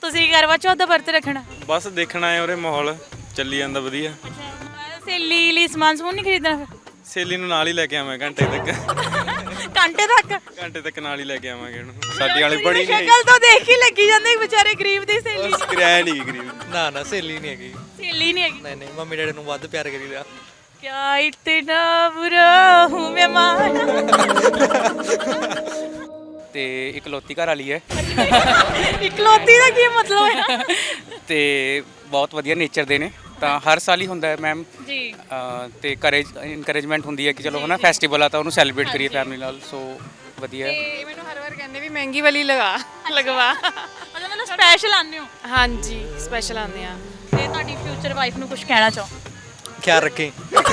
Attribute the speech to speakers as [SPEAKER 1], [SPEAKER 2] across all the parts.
[SPEAKER 1] ਤੁਸੀਂ ਕਰਵਾ ਚੌਥ ਦਾ ਵਰਤ ਰੱਖਣਾ?
[SPEAKER 2] ਬਸ ਦੇਖਣਾ ਹੈ ਉਰੇ ਮਾਹੌਲ ਚੱਲੀ ਜਾਂਦਾ ਵਧੀਆ।
[SPEAKER 1] ਸਹੇਲੀ ਲਈ ਸਮਾਨ ਸਮੂਨ ਨਹੀਂ ਖਰੀਦਣਾ ਫਿਰ?
[SPEAKER 2] ਸਹੇਲੀ ਨੂੰ ਨਾਲ ਹੀ ਲੈ ਕੇ ਆਵਾਂ ਘੰਟੇ ਤੱਕ।
[SPEAKER 1] ਘੰਟੇ ਤੱਕ?
[SPEAKER 2] ਘੰਟੇ ਤੱਕ ਨਾਲ ਹੀ ਲੈ ਕੇ ਆਵਾਂਗੇ ਉਹਨੂੰ। ਸਾਡੀ ਵਾਲੀ ਬੜੀ ਨਹੀਂ
[SPEAKER 1] ਸ਼ਕਲ ਤੋਂ ਦੇਖ ਹੀ ਲੱਗੀ ਜਾਂਦੇ ਵਿਚਾਰੇ ਗਰੀਬ ਦੀ ਸਹੇਲੀ।
[SPEAKER 2] ਬਸ ਕਿਰਾਇਆ ਨਹੀਂ ਗਰੀਬ।
[SPEAKER 3] ਨਾ ਸਹੇਲੀ ਨਹੀਂ ਹੈਗੀ।
[SPEAKER 1] ਸਹੇਲੀ ਨਹੀਂ ਹੈਗੀ?
[SPEAKER 3] ਨਹੀਂ ਮੰਮੀ ਡੈਡੀ ਨੂੰ ਵੱਧ ਪਿਆਰ ਕਰੀਦਾ।
[SPEAKER 1] ਕਿਆ ਇਤਨਾ ਬੁਰਾ ਹੂੰ ਮੈਂ ਮਾਨਾ।
[SPEAKER 4] ਤੇ ਇਕਲੌਤੀ ਘਰ ਵਾਲੀ ਹੈ
[SPEAKER 1] ਇਕਲੌਤੀ ਦਾ ਕੀ ਮਤਲਬ ਹੈ?
[SPEAKER 4] ਤੇ ਬਹੁਤ ਵਧੀਆ ਨੇਚਰ ਦੇ ਨੇ ਤਾਂ ਹਰ ਸਾਲ ਹੀ ਹੁੰਦਾ ਹੈ ਮੈਮ
[SPEAKER 1] ਜੀ।
[SPEAKER 4] ਤੇ ਇਨਕਰੇਜਮੈਂਟ ਹੁੰਦੀ ਹੈ ਕਿ ਚਲੋ ਹਨਾ ਫੈਸਟੀਵਲ ਆ ਤਾਂ ਉਹਨੂੰ ਸੈਲੀਬ੍ਰੇਟ ਕਰੀਏ ਫੈਮਿਲੀ ਨਾਲ ਸੋ ਵਧੀਆ।
[SPEAKER 5] ਤੇ ਮੈਨੂੰ ਹਰ ਵਾਰ ਕਹਿੰਦੇ ਵੀ ਮਹਿੰਗੀ ਵਾਲੀ ਲਗਵਾ
[SPEAKER 1] ਅੱਛਾ ਮਤਲਬ ਸਪੈਸ਼ਲ ਆਉਂਦੇ ਹੋ?
[SPEAKER 5] ਹਾਂਜੀ ਸਪੈਸ਼ਲ ਆਉਂਦੇ ਆ।
[SPEAKER 1] ਤੇ ਤੁਹਾਡੀ ਫਿਊਚਰ ਵਾਈਫ ਨੂੰ ਕੁਝ ਕਹਿਣਾ ਚਾਹੋ?
[SPEAKER 3] ਖਿਆਲ ਰੱਖੀ।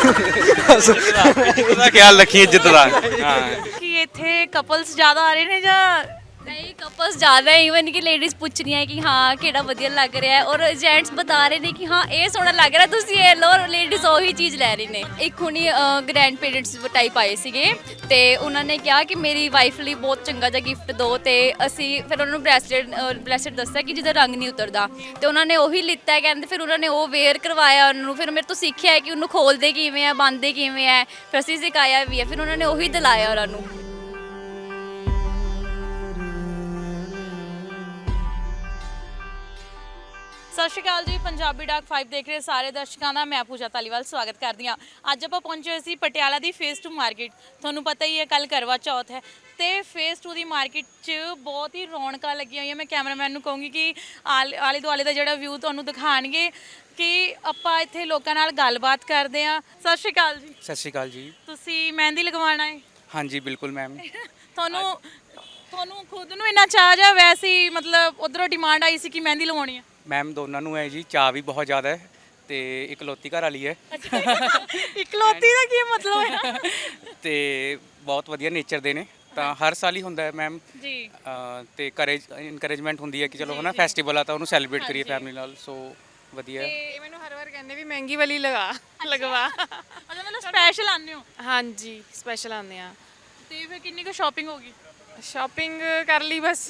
[SPEAKER 2] ਉਹਦਾ ਖਿਆਲ ਰੱਖੀ ਇੱਜ਼ਤ ਦਾ। ਹਾਂ
[SPEAKER 1] ਕਿ ਇੱਥੇ ਕਪਲਸ ਜ਼ਿਆਦਾ ਆ ਰਹੇ ਨੇ ਜਾਂ
[SPEAKER 6] ਨਹੀਂ ਕਪਲਸ ਜ਼ਿਆਦਾ ਇਵਨ ਕਿ ਲੇਡੀਜ਼ ਪੁੱਛ ਰਹੀਆਂ ਕਿ ਹਾਂ ਕਿਹੜਾ ਵਧੀਆ ਲੱਗ ਰਿਹਾ ਹੈ ਔਰ ਜੈਂਟਸ ਬਤਾ ਰਹੇ ਨੇ ਕਿ ਹਾਂ ਇਹ ਸੋਹਣਾ ਲੱਗ ਰਿਹਾ ਤੁਸੀਂ ਇਹ ਲਓ। ਲੇਡੀਜ਼ ਉਹੀ ਚੀਜ਼ ਲੈ ਰਹੇ ਨੇ। ਇੱਕ ਹੁਣੀ ਗ੍ਰੈਂਡ ਪੇਰੈਂਟਸ ਟਾਈਪ ਆਏ ਸੀਗੇ ਤੇ ਉਹਨਾਂ ਨੇ ਕਿਹਾ ਕਿ ਮੇਰੀ ਵਾਈਫ ਲਈ ਬਹੁਤ ਚੰਗਾ ਜਿਹਾ ਗਿਫਟ ਦਿਓ ਤੇ ਅਸੀਂ ਫਿਰ ਉਹਨਾਂ ਨੂੰ ਬ੍ਰੈਸਲੇਟ ਦੱਸਿਆ ਕਿ ਜਿਹਦਾ ਰੰਗ ਨਹੀਂ ਉਤਰਦਾ ਤੇ ਉਹਨਾਂ ਨੇ ਉਹੀ ਲਿੱਤਾ ਕਹਿੰਦੇ। ਫਿਰ ਉਹਨਾਂ ਨੇ ਉਹ ਵੇਅਰ ਕਰਵਾਇਆ ਉਹਨਾਂ ਨੂੰ। ਫਿਰ ਮੇਰੇ ਤੋਂ ਸਿੱਖਿਆ ਕਿ ਉਹਨੂੰ ਖੋਲਦੇ ਕਿਵੇਂ ਆ ਬੰਨਦੇ ਕਿਵੇਂ ਆ ਫਿਰ ਅਸੀਂ ਸਿਖਾਇਆ ਵੀ ਹੈ। ਫਿਰ ਉਹਨਾਂ ਨੇ ਉਹੀ ਦਿਲਾਇਆ ਉਹਨਾਂ ਨੂੰ।
[SPEAKER 1] ਸਤਿ ਸ਼੍ਰੀ ਅਕਾਲ ਜੀ। ਪੰਜਾਬੀ ਡਾਕ 5 ਦੇਖ ਰਹੇ ਸਾਰੇ ਦਰਸ਼ਕਾਂ ਦਾ ਮੈਂ ਪੂਜਾ ਧਾਲੀਵਾਲ ਸਵਾਗਤ ਕਰਦੀ ਹਾਂ। ਅੱਜ ਆਪਾਂ ਪਹੁੰਚੇ ਹੋਏ ਸੀ ਪਟਿਆਲਾ ਦੀ ਫੇਸ 2 ਮਾਰਕੀਟ। ਤੁਹਾਨੂੰ ਪਤਾ ਹੀ ਹੈ ਕੱਲ ਕਰਵਾ ਚੌਥ ਹੈ ਤੇ ਫੇਸ 2 ਦੀ ਮਾਰਕੀਟ 'ਚ ਬਹੁਤ ਹੀ ਰੌਣਕਾਂ ਲੱਗੀਆਂ ਹੋਈਆਂ। ਮੈਂ ਕੈਮਰਾਮੈਨ ਨੂੰ ਕਹੂੰਗੀ ਕਿ ਆਲੇ ਦੁਆਲੇ ਦਾ ਜਿਹੜਾ ਵਿਊ ਤੁਹਾਨੂੰ ਦਿਖਾਣਗੇ ਕਿ ਆਪਾਂ ਇੱਥੇ ਲੋਕਾਂ ਨਾਲ ਗੱਲਬਾਤ ਕਰਦੇ ਹਾਂ। ਸਤਿ ਸ਼੍ਰੀ ਅਕਾਲ ਜੀ।
[SPEAKER 4] ਸਤਿ ਸ਼੍ਰੀ ਅਕਾਲ ਜੀ।
[SPEAKER 1] ਤੁਸੀਂ ਮਹਿੰਦੀ ਲਗਵਾਉਣਾ ਹੈ?
[SPEAKER 4] ਹਾਂਜੀ ਬਿਲਕੁਲ ਮੈਮ।
[SPEAKER 1] ਤੁਹਾਨੂੰ ਖੁਦ ਨੂੰ ਇੰਨਾ ਚਾਅ ਜਾਂ ਵੈਸੇ ਹੀ ਮਤਲਬ ਉਧਰੋਂ ਡਿਮਾਂਡ ਆਈ ਸੀ ਕਿ ਮਹਿੰਦੀ ਲਗਵਾਉਣੀ ਹੈ?
[SPEAKER 4] ਮੈਮ ਦੋਨਾਂ ਨੂੰ ਹੈ ਜੀ ਚਾਅ ਵੀ ਬਹੁਤ ਜ਼ਿਆਦਾ ਹੈ ਤੇ ਇਕਲੌਤੀ ਘਰ ਵਾਲੀ ਹੈ
[SPEAKER 1] ਇਕਲੌਤੀ ਦਾ ਕੀ ਮਤਲਬ ਹੈ?
[SPEAKER 4] ਤੇ ਬਹੁਤ ਵਧੀਆ ਨੇਚਰ ਦੇ ਨੇ ਤਾਂ ਹਰ ਸਾਲ ਹੀ ਹੁੰਦਾ ਹੈ ਮੈਮ
[SPEAKER 1] ਜੀ।
[SPEAKER 4] ਤੇ ਇਨਕਰੇਜਮੈਂਟ ਹੁੰਦੀ ਹੈ ਕਿ ਚਲੋ ਹਨਾ ਫੈਸਟੀਵਲ ਆ ਤਾਂ ਉਹਨੂੰ ਸੈਲੀਬ੍ਰੇਟ ਕਰੀਏ ਫੈਮਿਲੀ ਨਾਲ ਸੋ ਵਧੀਆ।
[SPEAKER 5] ਤੇ ਮੈਨੂੰ ਹਰ ਵਾਰ ਕਹਿੰਦੇ ਵੀ ਮਹਿੰਗੀ ਵਾਲੀ ਲਗਵਾ
[SPEAKER 1] ਅੱਛਾ ਮਤਲਬ ਸਪੈਸ਼ਲ ਆਉਂਦੇ ਹੋ?
[SPEAKER 5] ਹਾਂਜੀ ਸਪੈਸ਼ਲ ਆਉਂਦੇ ਆ।
[SPEAKER 1] ਤੇ ਫਿਰ ਕਿੰਨੀ ਕੁ ਸ਼ਾਪਿੰਗ ਹੋ ਗਈ?
[SPEAKER 5] ਸ਼ਾਪਿੰਗ ਕਰ ਲਈ ਬਸ।